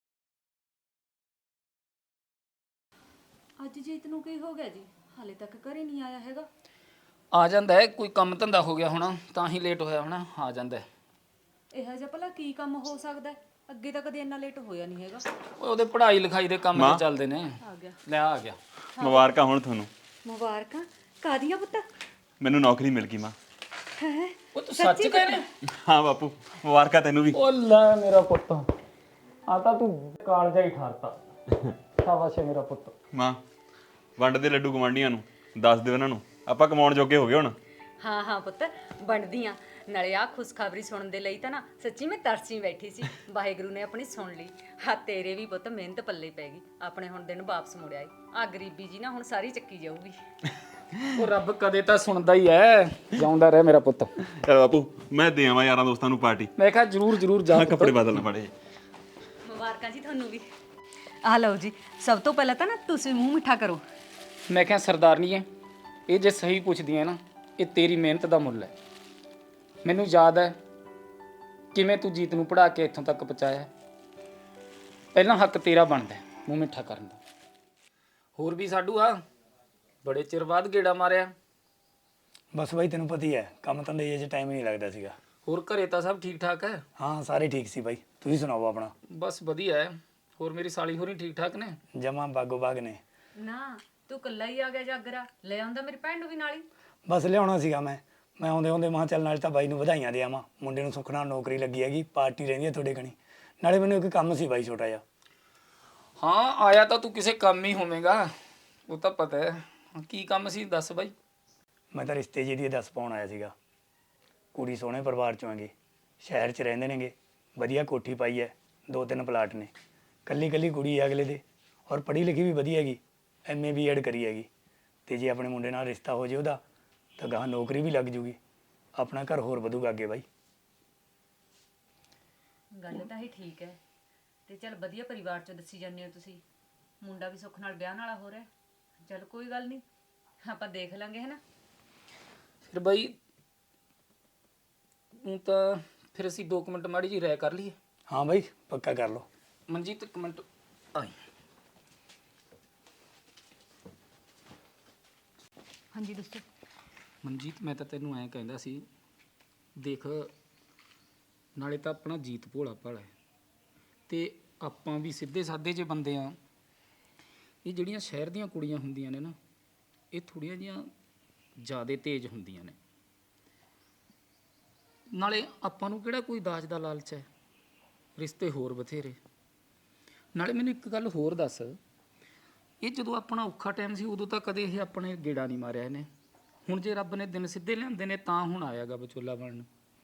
Speaker 2: ਅੱਜ ਜੀਤ ਨੂੰ ਕੀ ਹੋ ਗਿਆ ਜੀ? ਹਾਲੇ ਤੱਕ ਘਰੇ ਨਹੀਂ ਆਇਆ ਹੈਗਾ।
Speaker 1: ਆ ਜਾਂਦਾ ਹੈ, ਕੋਈ ਕੰਮ ਧੰਦਾ ਹੋ ਗਿਆ ਹੋਣਾ, ਤਾਂ ਹੀ ਲੇਟ ਹੋਇਆ ਹੋਣਾ। ਆ ਜਾਂਦਾ ਹੈ।
Speaker 2: ਇਹੋ ਜਿਹਾ ਭਲਾ ਕੀ ਕੰਮ ਹੋ ਸਕਦਾ ਹੈ? ਅੱਗੇ ਤਾਂ ਕਦੇ ਇੰਨਾ ਲੇਟ ਹੋਇਆ ਨਹੀਂ ਹੈਗਾ।
Speaker 1: ਉਹਦੇ ਪੜ੍ਹਾਈ ਲਿਖਾਈ ਦੇ ਕੰਮ ਤੇ ਚੱਲਦੇ ਨੇ।
Speaker 2: ਆ ਗਿਆ।
Speaker 1: ਲੈ ਆ ਗਿਆ।
Speaker 6: ਮੁਬਾਰਕਾਂ ਹੁਣ ਤੁਹਾਨੂੰ।
Speaker 2: ਮੁਬਾਰਕਾਂ ਕਾਦੀਆਂ ਪੁੱਤ?
Speaker 6: ਮੈਨੂੰ ਨੌਕਰੀ ਮਿਲ ਗਈ ਮਾਂ।
Speaker 2: ਹੈ
Speaker 1: ਉਹ ਤੂੰ ਸੱਚ ਕਹਿਣਾ?
Speaker 6: ਹਾਂ ਬਾਪੂ, ਮੁਬਾਰਕਾਂ ਤੈਨੂੰ ਵੀ।
Speaker 1: ਉਹ ਲੈ ਮੇਰਾ ਪੁੱਤ, ਆ ਤਾਂ ਤੂੰ ਕਾਲਜਾ ਹੀ ਠਾਰਤਾ। ਸ਼ਾਬਾਸ਼ ਏ ਮੇਰਾ ਪੁੱਤ।
Speaker 6: ਮਾਂ, ਵੰਡ ਦੇ ਲੱਡੂ ਗਵਾਂਢੀਆਂ ਨੂੰ, ਦੱਸ ਦਿਓ ਇਹਨਾਂ ਨੂੰ ਆਪਾਂ ਕਮਾਉਣ ਜੋਗੇ ਹੋ ਗਏ ਹੁਣ।
Speaker 2: ਹਾਂ ਹਾਂ ਪੁੱਤ, ਬਣਦੀਆਂ। ਨਾਲੇ ਆ ਖੁਸ਼ਖਬਰੀ ਸੁਣਨ ਦੇ ਲਈ ਤਾਂ ਨਾ ਸੱਚੀ ਮੈਂ ਤਰਸੀ ਬੈਠੀ ਸੀ। ਵਾਹਿਗੁਰੂ ਨੇ ਆਪਣੀ ਸੁਣ ਲਈ। ਹਾਂ ਤੇਰੇ ਵੀ ਪੁੱਤ ਮਿਹਨਤ ਪੱਲੇ ਪੈ ਗਈ, ਆਪਣੇ ਹੁਣ ਦਿਨ ਵਾਪਸ ਮੁੜਿਆ ਈ। ਆ ਗਰੀਬੀ ਜੀ ਨਾ ਹੁਣ ਸਾਰੀ ਚੱਕੀ ਜਾਊਗੀ।
Speaker 1: ਉਹ ਰੱਬ ਕਦੇ ਤਾਂ ਸੁਣਦਾ ਹੀ ਐ। ਜਾਉਂਦਾ ਰਹਿ ਮੇਰਾ ਪੁੱਤ।
Speaker 6: ਚਲ ਬਾਪੂ, ਮੈਂ ਦੇ ਆਵਾਂ ਯਾਰਾਂ ਦੋਸਤਾਂ ਨੂੰ ਪਾਰਟੀ।
Speaker 1: ਮੈਂ ਕਿਹਾ ਜਰੂਰ ਜਾ।
Speaker 6: ਮੈਂ ਕੱਪੜੇ ਬਦਲਣਾ ਪੜੇ।
Speaker 2: ਮੁਬਾਰਕਾਂ ਜੀ ਤੁਹਾਨੂੰ ਵੀ। ਆ ਲਓ ਜੀ, ਸਭ ਤੋਂ ਪਹਿਲਾਂ ਤਾਂ ਨਾ ਤੁਸੀਂ ਮੂੰਹ ਮਿੱਠਾ ਕਰੋ।
Speaker 1: ਮੈਂ ਕਿਹਾ ਸਰਦਾਰਨੀ ਐ, ਇਹ ਜੇ ਸਹੀ ਪੁੱਛਦੀ ਐ ਨਾ, ਇਹ ਤੇਰੀ ਮਿਹਨਤ ਦਾ ਮੁੱਲ ਹੈ। ਮੈਨੂੰ ਯਾਦ ਹੈ ਕਿਵੇਂ ਤੂੰ ਜੀਤ ਨੂੰ ਪੜ੍ਹਾ ਕੇ ਇੱਥੋਂ ਤੱਕ ਪਹੁੰਚਾਇਆ। ਪਹਿਲਾਂ ਹੱਕ ਤੇਰਾ ਬਣਦਾ ਮੂੰਹ ਮਿੱਠਾ ਕਰਨ ਦਾ। ਹੋਰ ਵੀ ਸਾਡੂ ਆ, ਬੜੇ ਚਿਰ ਬਾਅਦ ਗੇੜਾ ਮਾਰਿਆ।
Speaker 7: ਬਸ ਬਾਈ ਤੈਨੂੰ ਪਤਾ ਹੀ ਹੈ, ਕੰਮ ਧੰਦੇ ਜੇ ਟਾਈਮ ਹੀ ਨਹੀਂ ਲੱਗਦਾ ਸੀਗਾ।
Speaker 1: ਹੋਰ ਘਰੇ ਤਾਂ ਸਭ ਠੀਕ ਠਾਕ ਹੈ?
Speaker 7: ਹਾਂ ਸਾਰੇ ਠੀਕ ਸੀ ਬਾਈ, ਤੁਸੀਂ ਸੁਣਾਓ ਆਪਣਾ?
Speaker 1: ਬਸ ਵਧੀਆ ਹੈ। ਹੋਰ ਮੇਰੀ ਸਾਲੀ ਹੋਰੀ ਠੀਕ ਠਾਕ ਨੇ?
Speaker 7: ਜਮਾਂ ਬਾਗੋ ਬਾਗ ਨੇ।
Speaker 2: ਨਾ ਤੂੰ ਇਕੱਲਾ ਹੀ ਆ ਗਿਆ ਜਾਗਰਾ, ਲੈ ਆਉਂਦਾ ਮੇਰੀ ਭੈਣ ਨੂੰ ਵੀ ਨਾਲ ਹੀ।
Speaker 7: ਬਸ ਲਿਆਉਣਾ ਸੀਗਾ ਮੈਂ ਆਉਂਦੇ ਆਉਂਦੇ ਮਾਂ ਚੱਲ ਨਾਲ ਤਾਂ ਬਾਈ ਨੂੰ ਵਧਾਈਆਂ ਦੇ ਆਵਾਂ, ਮੁੰਡੇ ਨੂੰ ਸੁੱਖ ਨਾਲ ਨੌਕਰੀ ਲੱਗੀ ਹੈਗੀ, ਪਾਰਟੀ ਰਹਿੰਦੀ ਹੈ ਤੁਹਾਡੇ ਕਣੀ। ਨਾਲੇ ਮੈਨੂੰ ਇੱਕ ਕੰਮ ਸੀ ਬਾਈ ਛੋਟਾ ਜਿਹਾ।
Speaker 1: ਹਾਂ ਆਇਆ ਤਾਂ ਤੂੰ ਕਿਸੇ ਕੰਮ ਹੀ ਹੋਵੇਂਗਾ, ਉਹ ਤਾਂ ਪਤਾ ਹੈ। ਕੀ ਕੰਮ ਸੀ ਦੱਸ ਬਾਈ।
Speaker 7: ਮੈਂ ਤਾਂ ਰਿਸ਼ਤੇ ਜੀ ਦੀ ਦੱਸ ਪਾਉਣ ਆਇਆ ਸੀਗਾ। ਕੁੜੀ ਸੋਹਣੇ ਪਰਿਵਾਰ ਚੋਂ ਹੈਗੀ, ਸ਼ਹਿਰ 'ਚ ਰਹਿੰਦੇ ਨੇਗੇ, ਵਧੀਆ ਕੋਠੀ ਪਾਈ ਹੈ, 2-3 ਪਲਾਟ ਨੇ, ਕੱਲੀ ਕੱਲੀ ਕੁੜੀ ਹੈ ਅਗਲੇ ਦੇ, ਔਰ ਪੜ੍ਹੀ ਲਿਖੀ ਵੀ ਵਧੀਆ ਹੈਗੀ, MA B.Ed ਕਰੀ ਹੈਗੀ। ਅਤੇ ਜੇ ਆਪਣੇ ਮੁੰਡੇ ਨਾਲ ਰਿਸ਼ਤਾ ਹੋ ਜੇ ਉਹਦਾ ਤਾਂ ਗਾਹਾਂ ਨੌਕਰੀ ਵੀ ਲੱਗ ਜੂਗੀ, ਆਪਣਾ ਘਰ ਹੋਰ ਵਧੂਗਾ ਅੱਗੇ ਬਾਈ।
Speaker 2: ਗੱਲ ਤਾਂ ਹੀ ਠੀਕ ਹੈ, ਤੇ ਚੱਲ ਵਧੀਆ ਪਰਿਵਾਰ ਚੋਂ ਦੱਸੀ ਜਾਂਦੇ ਹੋ ਤੁਸੀਂ। ਮੁੰਡਾ ਵੀ ਸੁੱਖ ਨਾਲ ਵਿਆਹ ਵਾਲਾ ਹੋ ਰਿਹਾ। ਚੱਲ ਕੋਈ ਗੱਲ ਨਹੀਂ, ਆਪਾਂ ਦੇਖ ਲਾਂਗੇ ਹੈ ਨਾ।
Speaker 1: ਫਿਰ ਬਾਈ ਹੁਣ ਤਾਂ ਫਿਰ ਅਸੀਂ 2 ਮਿੰਟ ਮਾੜੀ ਜੀ ਰਾਇ ਕਰ ਲਈਏ।
Speaker 7: ਹਾਂ ਬਾਈ ਪੱਕਾ ਕਰ ਲਓ।
Speaker 1: ਮਨਜੀਤ 1 ਮਿੰਟ ਆਈ।
Speaker 2: ਹਾਂਜੀ ਦੱਸੋ।
Speaker 1: ਮਨਜੀਤ ਮੈਂ ਤਾਂ ਤੈਨੂੰ ਐਂ ਕਹਿੰਦਾ ਸੀ, ਦੇਖ ਨਾਲੇ ਤਾਂ ਆਪਣਾ ਜੀਤ ਭੋਲਾ ਭਾਲਾ ਹੈ ਤੇ ਆਪਾਂ ਵੀ ਸਿੱਧੇ ਸਾਦੇ ਜਿਹੇ ਬੰਦੇ ਆ। ਇਹ ਜਿਹੜੀਆਂ ਸ਼ਹਿਰ ਦੀਆਂ ਕੁੜੀਆਂ ਹੁੰਦੀਆਂ ਨੇ ਨਾ, ਇਹ ਥੋੜ੍ਹੀਆਂ ਜਿਹੀਆਂ ਜ਼ਿਆਦਾ ਤੇਜ਼ ਹੁੰਦੀਆਂ ਨੇ। ਨਾਲੇ ਆਪਾਂ ਨੂੰ ਕਿਹੜਾ ਕੋਈ ਦਾਜ ਦਾ ਲਾਲਚ ਹੈ, ਰਿਸ਼ਤੇ ਹੋਰ ਬਥੇਰੇ। ਨਾਲੇ ਮੈਨੂੰ ਇੱਕ ਗੱਲ ਹੋਰ ਦੱਸ, ਇਹ ਜਦੋਂ ਆਪਣਾ ਔਖਾ ਟਾਈਮ ਸੀ ਉਦੋਂ ਤਾਂ ਕਦੇ ਇਹ ਆਪਣੇ ਗੇੜਾ ਨਹੀਂ ਮਾਰਿਆ ਇਹਨੇ। ਹੁਣ ਜੇ ਰੱਬ ਨੇ ਦਿਨ ਸਿੱਧੇ ਲਿਆਂਦੇ ਨੇ ਤਾਂ ਹੁਣ ਆਇਆਗਾ ਵਿਚੋਲਾ ਬਣਨ।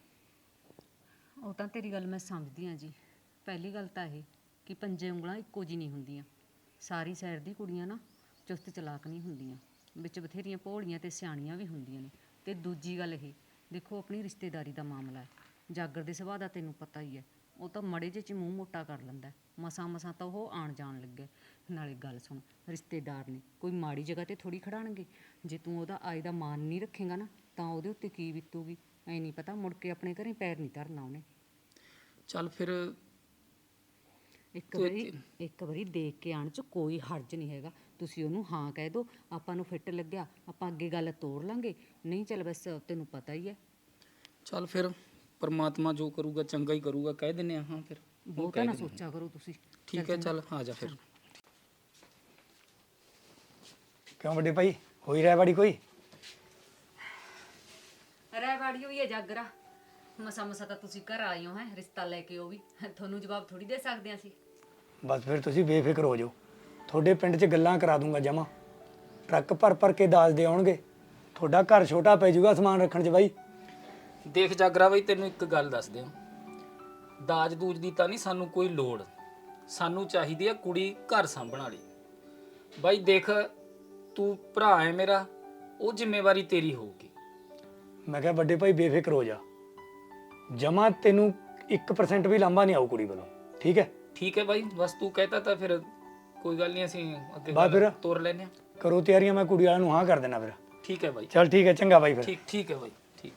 Speaker 2: ਉਹ ਤਾਂ ਤੇਰੀ ਗੱਲ ਮੈਂ ਸਮਝਦੀ ਹਾਂ ਜੀ। ਪਹਿਲੀ ਗੱਲ ਤਾਂ ਇਹ ਕਿ ਪੰਜੇ ਉਂਗਲਾਂ ਇੱਕੋ ਜਿਹੀ ਨਹੀਂ ਹੁੰਦੀਆਂ। ਸਾਰੀ ਸਾਈਡ ਦੀ ਕੁੜੀਆਂ ਨਾ ਚੁਸਤ ਚਲਾਕ ਨਹੀਂ ਹੁੰਦੀਆਂ, ਵਿੱਚ ਬਥੇਰੀਆਂ ਭੋਲੀਆਂ ਤੇ ਸਿਆਣੀਆਂ ਵੀ ਹੁੰਦੀਆਂ ਨੇ। ਤੇ ਦੂਜੀ ਗੱਲ ਇਹ ਦੇਖੋ, ਆਪਣੀ ਰਿਸ਼ਤੇਦਾਰੀ ਦਾ ਮਾਮਲਾ ਹੈ। ਜਾਗਰ ਦੇ ਸੁਭਾਅ ਦਾ ਤੈਨੂੰ ਪਤਾ ਹੀ ਹੈ, ਉਹ ਤਾਂ ਮੜੇ ਜਿਹੇ 'ਚ ਮੂੰਹ ਮੋਟਾ ਕਰ ਲੈਂਦਾ। ਮਸਾਂ ਤਾਂ ਉਹ ਆਣ ਜਾਣ ਲੱਗੇ। ਨਾਲੇ ਗੱਲ ਸੁਣ, ਰਿਸ਼ਤੇਦਾਰ ਨੇ ਕੋਈ ਮਾੜੀ ਜਗ੍ਹਾ ਤੇ ਥੋੜੀ ਖੜਾਣਗੇ। ਜੇ ਤੂੰ ਉਹਦਾ ਆਏ ਦਾ ਮਾਨ ਨਹੀਂ ਰੱਖੇਗਾ ਨਾ ਤਾਂ ਉਹਦੇ ਉੱਤੇ ਕੀ ਬੀਤੂਗੀ ਐ ਨਹੀਂ ਪਤਾ। ਮੁੜ ਕੇ ਆਪਣੇ ਘਰੇ ਪੈਰ ਨਹੀਂ ਧਰਨਾ ਉਹਨੇ।
Speaker 1: ਚੱਲ ਫਿਰ
Speaker 2: ਇੱਕ ਵਾਰੀ ਦੇਖ ਕੇ ਆਣ 'ਚ ਕੋਈ ਹਰਜ ਨਹੀਂ ਹੈਗਾ। ਤੁਸੀਂ ਉਹਨੂੰ ਹਾਂ ਕਹਿ ਦਿਓ, ਆਪਾਂ ਨੂੰ ਫਿੱਟ ਲੱਗਿਆ ਆਪਾਂ ਅੱਗੇ ਗੱਲ ਤੋੜ ਲਾਂਗੇ, ਨਹੀਂ ਚੱਲ ਬਸ ਤੈਨੂੰ ਪਤਾ ਹੀ ਹੈ।
Speaker 1: ਚੱਲ ਫਿਰ ਪਰਮਾਤਮਾ ਜੋ ਕਰੂਗਾ ਚੰਗਾ ਹੀ ਕਰੂਗਾ, ਕਹਿ ਦਿੰਦੇ ਹਾਂ ਫਿਰ।
Speaker 2: ਬਹੁਤਾ ਨਾ ਸੋਚਿਆ ਕਰੋ ਤੁਸੀਂ।
Speaker 1: ਠੀਕ ਹੈ, ਚੱਲ ਆ ਜਾ ਫਿਰ।
Speaker 7: ਕਿਉਂ ਵੱਡੇ ਭਾਈ, ਹੋਈ ਰਹਿ ਕੋਈ?
Speaker 2: ਰਹਿ ਬਾੜੀ ਹੋਈ ਹੈ ਜਾਗਰਾ। ਮਸਾ ਤਾਂ ਤੁਸੀਂ ਘਰ ਆਏ ਹੋ, ਹੈ ਰਿਸ਼ਤਾ ਲੈ ਕੇ। ਉਹ ਵੀ ਤੁਹਾਨੂੰ ਜਵਾਬ ਥੋੜੀ ਦੇ ਸਕਦੇ ਅਸੀਂ।
Speaker 7: ਬਸ ਫਿਰ ਤੁਸੀਂ ਬੇਫਿਕਰ ਹੋ ਜਾਓ, ਤੁਹਾਡੇ ਪਿੰਡ 'ਚ ਗੱਲਾਂ ਕਰਾ ਦੂੰਗਾ ਜਮਾ। ਟਰੱਕ ਭਰ ਕੇ ਦਾਜ ਦੇ ਆਉਣਗੇ, ਤੁਹਾਡਾ ਘਰ ਛੋਟਾ ਪੈ ਜਾਊਗਾ ਸਮਾਨ ਰੱਖਣ 'ਚ ਬਾਈ।
Speaker 1: ਦੇਖ ਜਾਗਰਾ ਬਈ, ਤੈਨੂੰ ਇੱਕ ਗੱਲ ਦੱਸ ਦਿਆਂ, ਦਾਜ ਦੂਜ ਦੀ ਤਾਂ ਨਹੀਂ ਸਾਨੂੰ ਕੋਈ ਲੋੜ। ਸਾਨੂੰ ਚਾਹੀਦੀ ਆ ਕੁੜੀ ਘਰ ਸਾਂਭਣ ਵਾਲੀ। ਬਾਈ ਦੇਖ, ਤੂੰ ਭਰਾ ਹੈ ਮੇਰਾ, ਉਹ ਜ਼ਿੰਮੇਵਾਰੀ ਤੇਰੀ ਹੋਊਗੀ।
Speaker 7: ਮੈਂ ਕਿਹਾ ਵੱਡੇ ਭਾਈ ਬੇਫਿਕਰ ਹੋ ਜਾ, ਜਮਾ ਤੈਨੂੰ 1% ਵੀ ਲਾਂਭਾ ਨਹੀਂ ਆਊ ਕੁੜੀ ਵੱਲੋਂ, ਠੀਕ ਹੈ?
Speaker 1: ਠੀਕ ਹੈ ਬਾਈ, ਬਸ ਤੂੰ ਕਹਿਤਾ ਤਾਂ ਫਿਰ ਕੋਈ ਗੱਲ ਨਹੀਂ, ਅਸੀਂ ਅੱਗੇ
Speaker 7: ਬਸ ਫਿਰ
Speaker 1: ਤੋਰ ਲੈਨੇ ਆ।
Speaker 7: ਕਰੋ ਤਿਆਰੀਆਂ, ਮੈਂ ਕੁੜੀ ਵਾਲਿਆਂ ਨੂੰ ਹਾਂ ਕਰ ਦੇਣਾ ਫਿਰ।
Speaker 1: ਠੀਕ ਹੈ ਬਾਈ,
Speaker 7: ਚੱਲ ਠੀਕ ਹੈ, ਚੰਗਾ ਬਾਈ ਫਿਰ।
Speaker 1: ਠੀਕ ਹੈ ਬਾਈ, ਠੀਕ।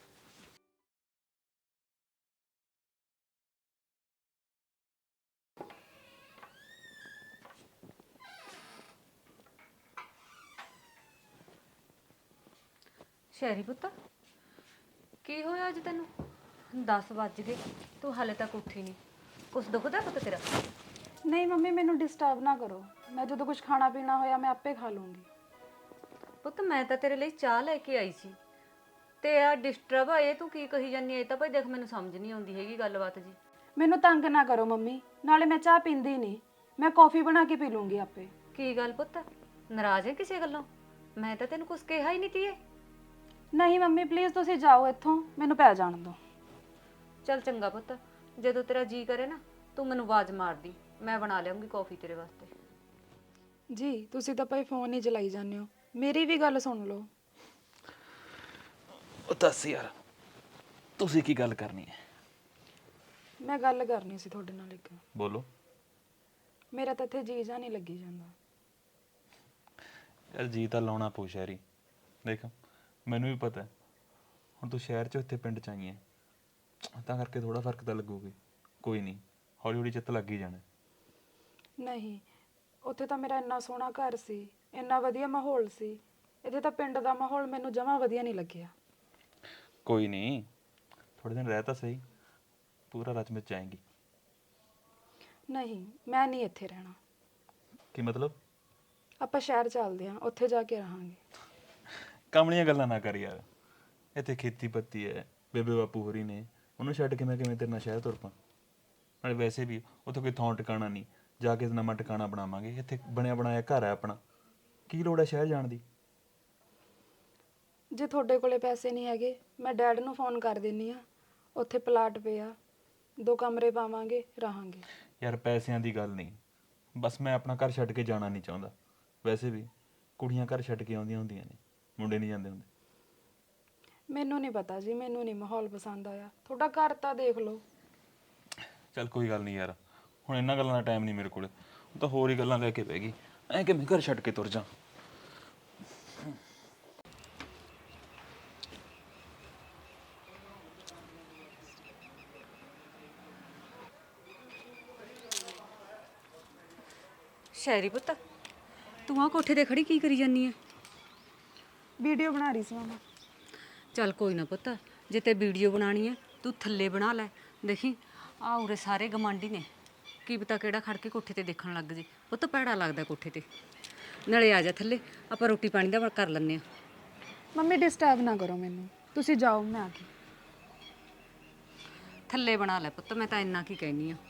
Speaker 2: ਸ਼ਹਿਰੀ ਪੁੱਤ, ਕੀ ਹੋਇਆ ਅੱਜ ਤੈਨੂੰ? 10 ਵੱਜ ਗਏ, ਤੂੰ ਹਾਲੇ ਤੱਕ ਉੱਠੀ ਨਹੀਂ। ਕੁਛ ਦੁਖਦਾ ਪੁੱਤ ਤੇਰਾ?
Speaker 4: ਨਹੀਂ ਮੰਮੀ, ਮੈਨੂੰ ਡਿਸਟਰਬ ਨਾ ਕਰੋ। ਮੈਂ ਜਦੋਂ ਕੁਝ ਖਾਣਾ ਪੀਣਾ ਹੋਇਆ ਮੈਂ ਆਪੇ ਖਾ ਲੂੰਗੀ।
Speaker 2: ਪੁੱਤ ਮੈਂ ਤਾਂ ਤੇਰੇ ਲਈ ਚਾਹ ਲੈ ਕੇ ਆਈ ਸੀ ਤੇ ਆ ਡਿਸਟਰਬ ਆ ਇਹ ਤੂੰ ਕੀ ਕਹੀ ਜਾਂਦੀ ਹੈ? ਇਹ ਤਾਂ ਭਾਈ ਦੇਖ ਮੈਨੂੰ ਸਮਝ ਨਹੀਂ ਆਉਂਦੀ ਹੈਗੀ ਗੱਲਬਾਤ ਜੀ।
Speaker 4: ਮੈਨੂੰ ਤੰਗ ਨਾ ਕਰੋ ਮੰਮੀ, ਨਾਲੇ ਮੈਂ ਚਾਹ ਪੀਂਦੀ ਨਹੀਂ, ਮੈਂ ਕੌਫੀ ਬਣਾ ਕੇ ਪੀ ਲੂੰਗੀ ਆਪੇ।
Speaker 2: ਕੀ ਗੱਲ ਪੁੱਤ, ਨਾਰਾਜ਼ ਹੈ ਕਿਸੇ ਗੱਲੋਂ? ਮੈਂ ਤਾਂ ਤੈਨੂੰ ਕੁਝ ਕਿਹਾ ਹੀ ਨਹੀਂ ਤੀਏ।
Speaker 4: ਨਹੀਂ ਮੰਮੀ ਪਲੀਜ਼ ਤੁਸੀਂ ਜਾਓ ਇੱਥੋਂ, ਮੈਨੂੰ ਪੈ ਜਾਣ ਦਿਓ।
Speaker 2: ਚੱਲ ਚੰਗਾ ਪੁੱਤ, ਜਦੋਂ ਤੇਰਾ ਜੀ ਕਰੇ ਨਾ ਤੂੰ ਮੈਨੂੰ ਆਵਾਜ਼ ਮਾਰਦੀ, ਮੈਂ ਬਣਾ ਲਿਆਉਂਗੀ ਕੌਫੀ ਤੇਰੇ ਵਾਸਤੇ।
Speaker 4: ਜੀ ਤੁਸੀਂ ਤਾਂ ਭਾਈ ਫੋਨ ਹੀ ਚਲਾਈ ਜਾਂਦੇ ਹੋ, ਮੇਰੀ ਵੀ ਗੱਲ ਸੁਣ ਲਓ।
Speaker 6: ਉਹ ਦੱਸ ਯਾਰ, ਤੁਸੀਂ ਕੀ ਗੱਲ ਕਰਨੀ ਹੈ?
Speaker 4: ਮੈਂ ਗੱਲ ਕਰਨੀ ਸੀ ਤੁਹਾਡੇ ਨਾਲ ਇੱਕ।
Speaker 6: ਬੋਲੋ।
Speaker 4: ਮੇਰਾ ਤਾਂ ਇੱਥੇ ਜੀ ਜਾ ਨਹੀਂ ਲੱਗੀ ਜਾਂਦਾ।
Speaker 6: ਯਾਰ ਜੀ ਤਾਂ ਲਾਉਣਾ ਪਊ ਸ਼ਹਿਰੀ। ਦੇਖ ਮੈਨੂੰ ਵੀ ਪਤਾ ਹੁਣ ਤੂੰ ਸ਼ਹਿਰ 'ਚੋਂ ਇੱਥੇ ਪਿੰਡ 'ਚ ਆਈ ਹੈ, ਤਾਂ ਕਰਕੇ ਥੋੜਾ ਫਰਕ ਤਾਂ ਲੱਗੂਗੀ। ਕੋਈ ਨਹੀਂ, ਹੌਲੀ ਹੌਲੀ ਚਿੱਤ ਲੱਗ ਹੀ ਜਾਣਾ।
Speaker 4: ਨਹੀਂ, ਉੱਥੇ ਤਾਂ ਮੇਰਾ ਇੰਨਾ ਸੋਹਣਾ ਘਰ ਸੀ, ਇੰਨਾ ਵਧੀਆ ਮਾਹੌਲ ਸੀ। ਇੱਥੇ ਤਾਂ ਪਿੰਡ ਦਾ ਮਾਹੌਲ ਮੈਨੂੰ ਜਮਾਂ ਵਧੀਆ ਨਹੀਂ ਲੱਗਿਆ।
Speaker 6: ਕੋਈ ਨਹੀਂ, ਥੋੜੇ ਦਿਨ ਰਹਿ ਤਾਂ ਸਹੀ, ਪੂਰਾ ਰਚ ਵਿੱਚ ਆਏਂਗੀ।
Speaker 4: ਨਹੀਂ, ਮੈਂ ਨਹੀਂ ਇੱਥੇ ਰਹਿਣਾ।
Speaker 6: ਕੀ ਮਤਲਬ?
Speaker 4: ਆਪਾਂ ਸ਼ਹਿਰ ਚੱਲਦੇ ਹਾਂ, ਉੱਥੇ ਜਾ ਕੇ ਰਹਾਂਗੇ।
Speaker 6: ਕਾਮਲੀਆਂ ਗੱਲਾਂ ਨਾ ਕਰ ਯਾਰ, ਇੱਥੇ ਖੇਤੀ ਪੱਤੀ ਹੈ, ਬੇਬੇ ਬਾਪੂ ਹੋਰੀ ਨੇ, ਉਹਨੂੰ ਛੱਡ ਕੇ ਮੈਂ ਕਿਵੇਂ ਤੇਰੇ ਨਾਲ ਸ਼ਹਿਰ ਤੁਰ ਪਾਂ? ਨਾਲੇ ਵੈਸੇ ਵੀ ਉੱਥੇ ਕੋਈ ਥਾਂ ਟਿਕਾਣਾ ਨਹੀਂ, ਜਾ ਕੇ ਨਵਾਂ ਟਿਕਾਣਾ ਬਣਾਵਾਂਗੇ। ਇੱਥੇ ਬਣਿਆ ਬਣਾਇਆ ਘਰ ਹੈ ਆਪਣਾ, ਕੀ ਲੋੜ ਹੈ ਸ਼ਹਿਰ ਜਾਣ ਦੀ?
Speaker 4: ਜੇ ਤੁਹਾਡੇ ਕੋਲੇ ਪੈਸੇ ਨਹੀਂ ਹੈਗੇ, ਮੈਂ ਡੈਡ ਨੂੰ ਫੋਨ ਕਰ ਦਿੰਨੀ ਆ, ਉੱਥੇ ਪਲਾਟ ਪਿਆ, 2 ਕਮਰੇ ਪਾਵਾਂਗੇ, ਰਹਾਂਗੇ।
Speaker 6: ਯਾਰ ਪੈਸਿਆਂ ਦੀ ਗੱਲ ਨਹੀਂ, ਬਸ ਮੈਂ ਆਪਣਾ ਘਰ ਛੱਡ ਕੇ ਜਾਣਾ ਨਹੀਂ ਚਾਹੁੰਦਾ। ਵੈਸੇ ਵੀ ਕੁੜੀਆਂ ਘਰ ਛੱਡ ਕੇ ਆਉਂਦੀਆਂ ਹੁੰਦੀਆਂ ਨੇ, ਮੁੰਡੇ ਨਹੀਂ ਜਾਂਦੇ ਹੁੰਦੇ।
Speaker 4: ਮੈਨੂੰ ਨਹੀਂ ਪਤਾ ਜੀ, ਮੈਨੂੰ ਨਹੀਂ ਮਾਹੌਲ ਪਸੰਦ ਆਇਆ। ਤੁਹਾਡਾ ਘਰ ਤਾਂ ਦੇਖ ਲਓ।
Speaker 6: ਚੱਲ ਕੋਈ ਗੱਲ ਨਹੀਂ ਯਾਰ, ਹੁਣ ਇਹਨਾਂ ਗੱਲਾਂ ਦਾ ਟਾਈਮ ਨਹੀਂ ਮੇਰੇ ਕੋਲ। ਉਹ ਤਾਂ ਹੋਰ ਹੀ ਗੱਲਾਂ ਲੈ ਕੇ ਬਹਿ ਗਈ, ਐਂ ਕਿਵੇਂ ਘਰ ਛੱਡ ਕੇ ਤੁਰ ਜਾ।
Speaker 2: ਸ਼ਹਿਰੀ ਪੁੱਤ, ਤੂੰ ਆ ਕੋਠੇ ਤੇ ਖੜੀ ਕੀ ਕਰੀ ਜਾਨੀ ਹੈ?
Speaker 4: ਵੀਡੀਓ ਬਣਾ ਰਹੀ ਸੀ ਮਾਮਾ।
Speaker 2: ਚੱਲ ਕੋਈ ਨਾ ਪੁੱਤ, ਜੇ ਤੇ ਵੀਡੀਓ ਬਣਾਣੀ ਹੈ ਤੂੰ ਥੱਲੇ ਬਣਾ ਲੈ। ਦੇਖੀ ਆ ਉਰੇ ਸਾਰੇ ਗਮਾਂਡੀ ਨੇ, ਕੀ ਪਤਾ ਕਿਹੜਾ ਖੜ ਕੇ ਕੋਠੇ ਤੇ ਦੇਖਣ ਲੱਗ ਜੇ। ਪੁੱਤ ਭੈੜਾ ਲੱਗਦਾ ਕੋਠੇ ਤੇ। ਨਾਲੇ ਆ ਜਾ ਥੱਲੇ, ਆਪਾਂ ਰੋਟੀ ਪਾਣੀ ਦਾ ਕਰ ਲੈਂਦੇ ਆ।
Speaker 4: ਮੰਮੀ ਡਿਸਟਰਬ ਨਾ ਕਰੋ ਮੈਨੂੰ, ਤੁਸੀਂ ਜਾਓ, ਮੈਂ ਆ ਗਈ।
Speaker 2: ਥੱਲੇ ਬਣਾ ਲੈ ਪੁੱਤ, ਮੈਂ ਤਾਂ ਇੰਨਾ ਕੀ ਕਹਿਨੀ ਆ।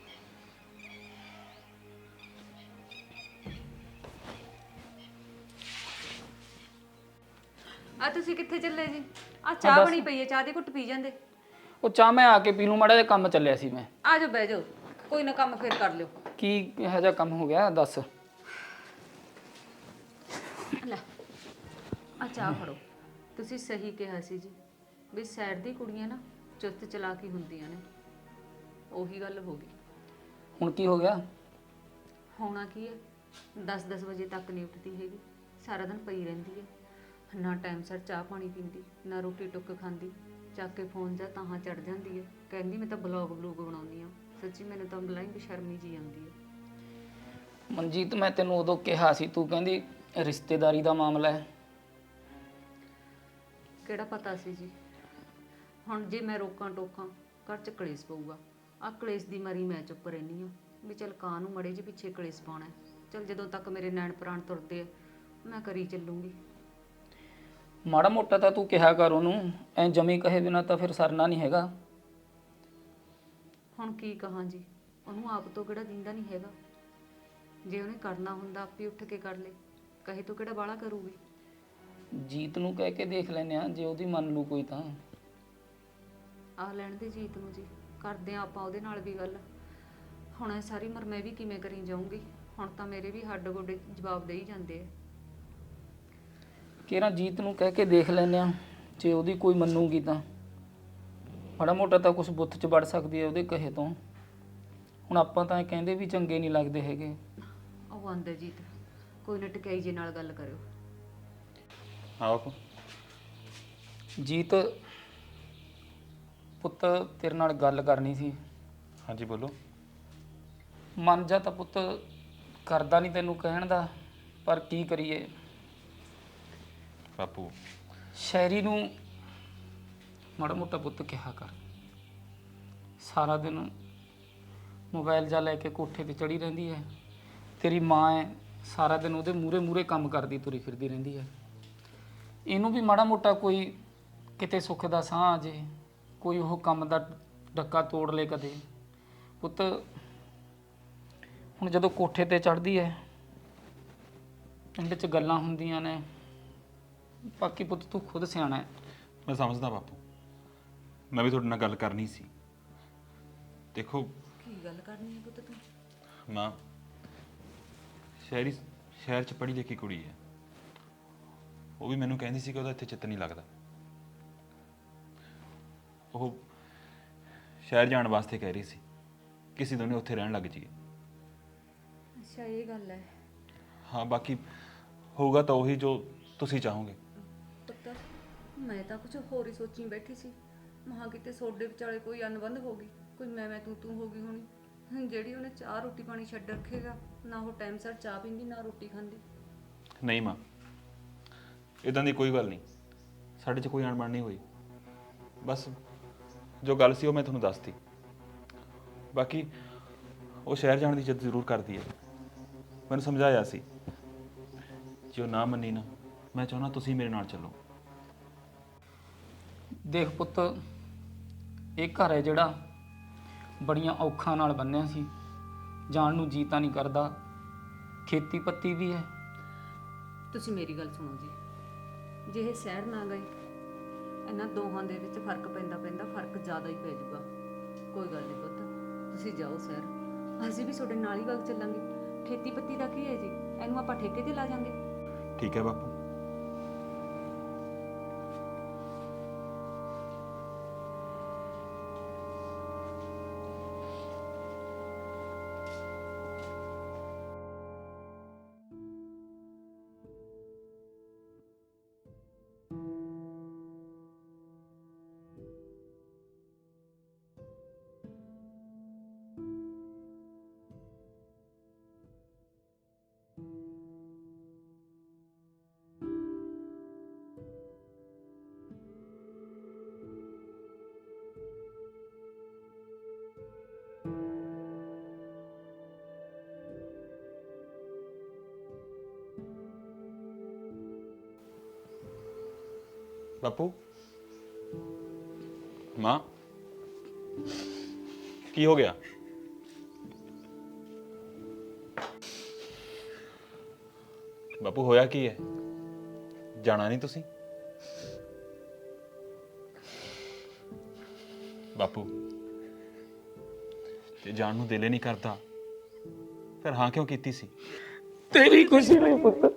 Speaker 2: ਆ ਤੁਸੀਂ ਕਿੱਥੇ ਚੱਲੇ ਜੀ? ਆ ਚਾਹ ਬਣੀ ਪਈ ਹੈ, ਚਾਹ ਦੀ ਘੁੱਟ ਪੀ ਜਾਂਦੇ।
Speaker 8: ਉਹ ਚਾਹ ਮੈਂ ਆ ਕੇ ਪੀ ਲੂੰ, ਮਾੜਾ ਜਿਹਾ ਕੰਮ ਚੱਲਿਆ ਸੀ ਮੈਂ।
Speaker 2: ਆ ਜਾਓ ਬਹਿ ਜਾਓ, ਕੋਈ ਨਾ ਕੰਮ ਫੇਰ ਕਰ ਲਿਓ।
Speaker 8: ਕੀ ਇਹੋ ਜਿਹਾ ਕੰਮ ਹੋ ਗਿਆ ਦੱਸ।
Speaker 2: ਲੈ ਆ ਚਾਹ ਫੜੋ। ਤੁਸੀਂ ਸਹੀ ਕਿਹਾ ਸੀ ਜੀ, ਵੀ ਸਾਈਡ ਦੀ ਕੁੜੀਆਂ ਨਾ ਚੁਸਤ ਚਲਾਕੀ ਹੁੰਦੀਆਂ ਨੇ। ਉਹੀ ਗੱਲ ਹੋ ਗਈ।
Speaker 8: ਹੁਣ ਕੀ ਹੋ ਗਿਆ?
Speaker 2: ਹੋਣਾ ਕੀ ਹੈ, 10-10 ਵਜੇ ਤੱਕ ਨਹੀਂ ਉੱਠਦੀ ਹੈਗੀ, ਸਾਰਾ ਦਿਨ ਪਈ ਰਹਿੰਦੀ ਹੈ। ਨਾ ਟਾਈਮ ਸਿਰ ਚਾਹ ਪਾਣੀ ਪੀਂਦੀ, ਨਾ ਰੋਟੀ ਟੁੱਕ ਖਾਂਦੀ। ਚੱਕ ਕੇ ਫੋਨ ਜਾਂ ਤਾਂ ਚੜ ਜਾਂਦੀ ਹੈ, ਕਹਿੰਦੀ ਮੈਂ ਤਾਂ ਬਲੌਗ ਬਣਾਉਣੀ ਆ। ਸੱਚੀ ਮੈਨੂੰ ਤਾਂ ਬਲਾਈ ਬੇਸ਼ਰਮੀ ਜੀ ਆਉਂਦੀ ਹੈ।
Speaker 8: ਮਨਜੀਤ ਮੈਂ ਤੈਨੂੰ ਉਦੋਂ ਕਿਹਾ ਸੀ, ਤੂੰ ਕਹਿੰਦੀ ਰਿਸ਼ਤੇਦਾਰੀ ਦਾ ਮਾਮਲਾ ਹੈ।
Speaker 2: ਕਿਹੜਾ ਪਤਾ ਸੀ ਜੀ। ਹੁਣ ਜੇ ਮੈਂ ਰੋਕਾਂ ਟੋਕਾਂ ਘਰ 'ਚ ਕਲੇਸ਼ ਪਊਗਾ। ਆਹ ਕਲੇਸ਼ ਦੀ ਮਾਰੀ ਮੈਂ ਚੁੱਪ ਰਹਿੰਦੀ ਹਾਂ ਵੀ ਚੱਲ ਕਾਂ ਨੂੰ ਮੜੇ ਜਿਹੇ ਪਿੱਛੇ ਕਲੇਸ਼ ਪਾਉਣਾ। ਚੱਲ ਜਦੋਂ ਤੱਕ ਮੇਰੇ ਨੈਣ ਪ੍ਰਾਣ ਤੁਰਦੇ ਆ ਮੈਂ ਕਰੀ ਚੱਲੂੰਗੀ।
Speaker 8: ਮਾੜਾ ਮੋਟਾ ਤਾਂ ਤੂੰ ਕਿਹਾ ਕਰ ਉਹਨੂੰ, ਐ ਜਮੀ ਕਹੇ ਬਿਨਾ ਤਾਂ ਫਿਰ ਸਰਨਾ ਨਹੀਂ ਹੈਗਾ।
Speaker 2: ਹੁਣ ਕੀ ਕਹਾਂ ਜੀ, ਉਹਨੂੰ ਆਪ ਤੋਂ ਕਿਹੜਾ ਦਿੰਦਾ ਨਹੀਂ ਹੈਗਾ। ਜੇ ਉਹਨੇ ਕਰਨਾ ਹੁੰਦਾ ਆਪੇ ਉੱਠ ਕੇ ਕਰ ਲੇ, ਕਹੇ ਤੋਂ ਕਿਹੜਾ ਬਾਹਲਾ ਕਰੂਗੀ।
Speaker 8: ਜੀਤ ਨੂੰ ਕਹਿ ਕੇ ਦੇਖ ਲੈਨੇ ਆ, ਜੇ ਉਹਦੀ ਮੰਨ ਲੂ ਕੋਈ ਤਾਂ।
Speaker 2: ਆਹ ਲੈਣ ਦੇ ਜੀਤ ਨੂੰ ਜੀ, ਕਰਦੇ ਆ ਆਪਾਂ ਉਹਦੇ ਨਾਲ ਵੀ ਗੱਲ। ਹੁਣ ਇਹ ਸਾਰੀ ਉਮਰ ਮੈਂ ਵੀ ਕਿਵੇਂ ਕਰੀ ਜਾਊਂਗੀ। ਹੁਣ ਤਾਂ ਮੇਰੇ ਵੀ ਹੱਡ ਗੋਡੇ ਜਵਾਬ ਦੇ ਹੀ ਜਾਂਦੇ ਆ।
Speaker 8: ਕਿਹੜਾ ਜੀਤ ਨੂੰ ਕਹਿ ਕੇ ਦੇਖ ਲੈਨੇ ਆ, ਜੇ ਉਹਦੀ ਕੋਈ ਮੰਨੂਗੀ ਤਾਂ ਮਾੜਾ ਮੋਟਾ ਤਾਂ ਕੁਝ ਬੁੱਤ 'ਚ ਵੜ ਸਕਦੀ ਹੈ ਉਹਦੇ ਕਹੇ ਤੋਂ। ਹੁਣ ਆਪਾਂ ਤਾਂ ਇਹ ਕਹਿੰਦੇ ਵੀ ਚੰਗੇ ਨਹੀਂ ਲੱਗਦੇ ਹੈਗੇ।
Speaker 2: ਉਹ ਆਂਦੇ ਜੀਤ, ਕੋਈ ਨਾ ਟਕਾਈ ਜੇ ਨਾਲ ਗੱਲ ਕਰਿਓ।
Speaker 6: ਹਾਂ ਬਾਪੂ।
Speaker 8: ਜੀਤ ਪੁੱਤ ਤੇਰੇ ਨਾਲ ਗੱਲ ਕਰਨੀ ਸੀ।
Speaker 6: ਹਾਂਜੀ ਬੋਲੋ।
Speaker 8: ਮਨ ਜਾ ਤਾਂ ਪੁੱਤ ਕਰਦਾ ਨਹੀਂ ਤੈਨੂੰ ਕਹਿਣ ਦਾ, ਪਰ ਕੀ ਕਰੀਏ।
Speaker 6: ਬਾਪੂ
Speaker 8: ਸ਼ਾਇਰੀ ਨੂੰ ਮਾੜਾ ਮੋਟਾ ਪੁੱਤ ਕਿਹਾ ਕਰ। ਸਾਰਾ ਦਿਨ ਮੋਬਾਈਲ ਜਾ ਲੈ ਕੇ ਕੋਠੇ ਤੇ ਚੜੀ ਰਹਿੰਦੀ ਹੈ। ਤੇਰੀ ਮਾਂ ਹੈ, ਸਾਰਾ ਦਿਨ ਉਹਦੇ ਮੂਹਰੇ ਮੂਹਰੇ ਕੰਮ ਕਰਦੀ ਤੁਰੀ ਫਿਰਦੀ ਰਹਿੰਦੀ ਹੈ। ਇਹਨੂੰ ਵੀ ਮਾੜਾ ਮੋਟਾ ਕੋਈ ਕਿਤੇ ਸੁੱਖ ਦਾ ਸਾਹ ਆ ਜੇ, ਕੋਈ ਉਹ ਕੰਮ ਦਾ ਡੱਕਾ ਤੋੜ ਲੇ ਕਦੇ। ਪੁੱਤ ਹੁਣ ਜਦੋਂ ਕੋਠੇ ਤੇ ਚੜ੍ਹਦੀ ਹੈ, ਪਿੰਡ 'ਚ ਗੱਲਾਂ ਹੁੰਦੀਆਂ ਨੇ। ਬਾਕੀ ਪੁੱਤ ਤੂੰ ਖੁਦ ਸਿਆਣਾ ਹੈ।
Speaker 6: ਮੈਂ ਸਮਝਦਾ ਬਾਪੂ, ਮੈਂ ਵੀ ਤੁਹਾਡੇ ਨਾਲ ਗੱਲ ਕਰਨੀ ਸੀ। ਦੇਖੋ
Speaker 2: ਕੀ ਗੱਲ ਕਰਨੀ ਹੈ ਪੁੱਤ ਤੂੰ?
Speaker 6: ਮਾਂ ਸ਼ਹਿਰ 'ਚ ਪੜ੍ਹੀ ਲਿਖੀ ਕੁੜੀ ਹੈ। ਉਹ ਵੀ ਮੈਨੂੰ ਕਹਿੰਦੀ ਸੀ ਕਿ ਉਹਦਾ ਇੱਥੇ ਚਿੱਤ ਨਹੀਂ ਲੱਗਦਾ। ਉਹ ਸ਼ਹਿਰ ਜਾਣ ਵਾਸਤੇ ਕਹਿ ਰਹੀ ਸੀ, ਕਿਸੇ ਦੋਨੇ ਉੱਥੇ ਰਹਿਣ ਲੱਗ ਜਾਈਏ।
Speaker 2: ਅੱਛਾ ਇਹ ਗੱਲ ਹੈ।
Speaker 6: ਹਾਂ ਬਾਕੀ ਹੋਊਗਾ ਤਾਂ ਉਹੀ ਜੋ ਤੁਸੀਂ ਚਾਹੋਗੇ।
Speaker 2: ਪੁੱਤ ਮੈਂ ਤਾਂ ਕੁਝ ਹੋਰ ਹੀ ਸੋਚੀ ਬੈਠੀ ਸੀ। ਮਹਾ ਕਿਤੇ ਸੋਡੇ ਵਿਚਾਲੇ ਕੋਈ ਅਨਬੰਧ ਹੋ ਗਈ, ਕੋਈ ਮੈਂ ਤੂੰ ਹੋ ਗਈ ਹੋਣੀ। ਜਿਹੜੀ ਉਹਨੇ ਚਾਹ ਰੋਟੀ ਪਾਣੀ ਛੱਡ ਰੱਖੇਗਾ, ਨਾ ਉਹ ਟਾਈਮ ਸਿਰ ਚਾਹ ਪੀਂਦੀ ਨਾ ਰੋਟੀ ਖਾਂਦੀ।
Speaker 6: ਨਹੀਂ ਮਾਂ, ਇਦਾਂ ਦੀ ਕੋਈ ਗੱਲ ਨਹੀਂ। ਸਾਡੇ 'ਚ ਕੋਈ ਅਣਬਣ ਨਹੀਂ ਹੋਈ। ਬਸ ਜੋ ਗੱਲ ਸੀ ਉਹ ਮੈਂ ਤੁਹਾਨੂੰ ਦੱਸਤੀ। ਬਾਕੀ ਉਹ ਸ਼ਹਿਰ ਜਾਣ ਦੀ ਜਿੱਦ ਜ਼ਰੂਰ ਕਰਦੀ ਹੈ। ਮੈਨੂੰ ਸਮਝਾਇਆ ਸੀ, ਜੇ ਉਹ ਨਾ ਮੰਨੀ ਨਾ, ਮੈਂ ਚਾਹੁੰਦਾ ਤੁਸੀਂ ਮੇਰੇ ਨਾਲ ਚੱਲੋ।
Speaker 8: ਦੇਖ ਪੁੱਤ, ਇਹ ਘਰ ਹੈ ਜਿਹੜਾ ਬੜੀਆਂ ਔਖਾਂ ਨਾਲ ਬੰਨਿਆ ਸੀ। ਜਾਣ ਨੂੰ ਜੀ ਤਾਂ ਨਹੀਂ ਕਰਦਾ। ਖੇਤੀ ਪੱਤੀ ਵੀ ਹੈ।
Speaker 2: ਤੁਸੀਂ ਮੇਰੀ ਗੱਲ ਸੁਣੋ ਜੀ, ਜੇ ਇਹ ਸ਼ਹਿਰ ਨਾ ਗਏ, ਇਹਨਾਂ ਦੋਹਾਂ ਦੇ ਵਿੱਚ ਫਰਕ ਪੈਂਦਾ ਫਰਕ ਜ਼ਿਆਦਾ ਹੀ ਪੈ ਜਾਊਗਾ। ਕੋਈ ਗੱਲ ਨਹੀਂ ਪੁੱਤ, ਤੁਸੀਂ ਜਾਓ ਸ਼ਹਿਰ, ਅਸੀਂ ਵੀ ਤੁਹਾਡੇ ਨਾਲ ਹੀ ਵਗ ਚੱਲਾਂਗੇ। ਖੇਤੀ ਪੱਤੀ ਦਾ ਕੀ ਹੈ ਜੀ, ਇਹਨੂੰ ਆਪਾਂ ਠੇਕੇ ਤੇ ਲਾ ਜਾਂਗੇ।
Speaker 6: ਠੀਕ ਹੈ ਬਾਪੂ। ਬਾਪੂ ਮਾਂ ਕੀ ਹੋ ਗਿਆ? ਬਾਪੂ ਹੋਇਆ ਕੀ ਹੈ? ਜਾਣਾ ਨਹੀਂ ਤੁਸੀਂ? ਬਾਪੂ ਜੇ ਜਾਣ ਨੂੰ ਦਿਲ ਹੀ ਨਹੀਂ ਕਰਦਾ ਫਿਰ ਹਾਂ ਕਿਉਂ ਕੀਤੀ ਸੀ?
Speaker 8: ਤੇਰੀ ਖੁਸ਼ੀ ਲਈ ਪੁੱਤ।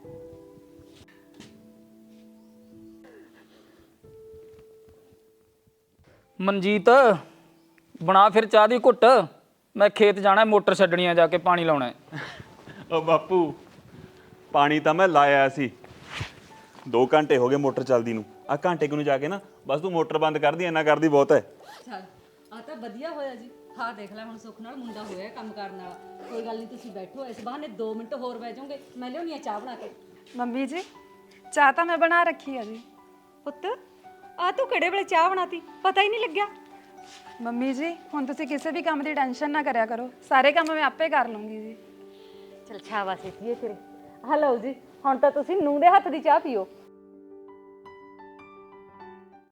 Speaker 8: ਮਨਜੀਤ ਬਣਾ ਫਿਰ ਚਾਹ ਦੀ ਘੁੱਟ, ਮੈਂ ਖੇਤ ਜਾਣਾ, ਮੋਟਰ ਛੱਡਣੀ ਆ, ਜਾ ਕੇ ਪਾਣੀ ਲਾਉਣਾ ਹੈ।
Speaker 6: ਓ ਬਾਪੂ ਪਾਣੀ ਤਾਂ ਮੈਂ ਲਾਇਆ ਸੀ, 2 ਘੰਟੇ ਹੋ ਗਏ ਮੋਟਰ ਚੱਲਦੀ ਨੂੰ। ਆ ਘੰਟੇ ਕੁ ਨੂੰ ਜਾ ਕੇ ਨਾ ਬਸ ਤੂੰ ਮੋਟਰ ਬੰਦ ਕਰਦੀ, ਇੰਨਾ ਕਰਦੀ ਬਹੁਤ ਹੈ।
Speaker 2: ਚੱਲ ਆ ਤਾਂ ਵਧੀਆ ਹੋਇਆ ਜੀ। ਹਾਂ ਦੇਖ ਲੈ ਹੁਣ ਸੁੱਖ ਨਾਲ ਮੁੰਡਾ ਹੋਇਆ ਕੰਮ ਕਰਨ ਵਾਲਾ। ਕੋਈ ਗੱਲ ਨਹੀਂ, ਤੁਸੀਂ ਬੈਠੋ, ਇਸ ਬਹਾਨੇ 2 ਮਿੰਟ ਹੋਰ ਬਹਿ ਜਾਓਗੇ, ਮੈਂ ਲਿਆਉਣੀ ਆ ਚਾਹ ਬਣਾ ਕੇ।
Speaker 4: ਮੰਮੀ ਜੀ ਚਾਹ ਤਾਂ ਮੈਂ ਬਣਾ ਰੱਖੀ ਆ ਜੀ।
Speaker 2: ਪੁੱਤ ਆ ਤੂੰ ਕਿਹੜੇ ਵੇਲੇ ਚਾਹ ਬਣਾਤੀ, ਪਤਾ ਹੀ ਨਹੀਂ ਲੱਗਿਆ।
Speaker 4: ਮੰਮੀ ਜੀ ਹੁਣ ਤੁਸੀਂ ਕਿਸੇ ਵੀ ਕੰਮ ਦੀ ਟੈਨਸ਼ਨ ਨਾ ਕਰਿਆ ਕਰੋ, ਸਾਰੇ ਕੰਮ ਮੈਂ ਆਪੇ ਕਰ ਲੂੰਗੀ ਜੀ।
Speaker 2: ਚਲ ਸ਼ਾਬਾਸ਼ ਏ ਤੇਰੇ। ਹਲੋ ਜੀ, ਹੁਣ ਤਾਂ ਤੁਸੀਂ ਨੂੰਹ ਦੇ ਹੱਥ ਦੀ ਚਾਹ ਪੀਓ।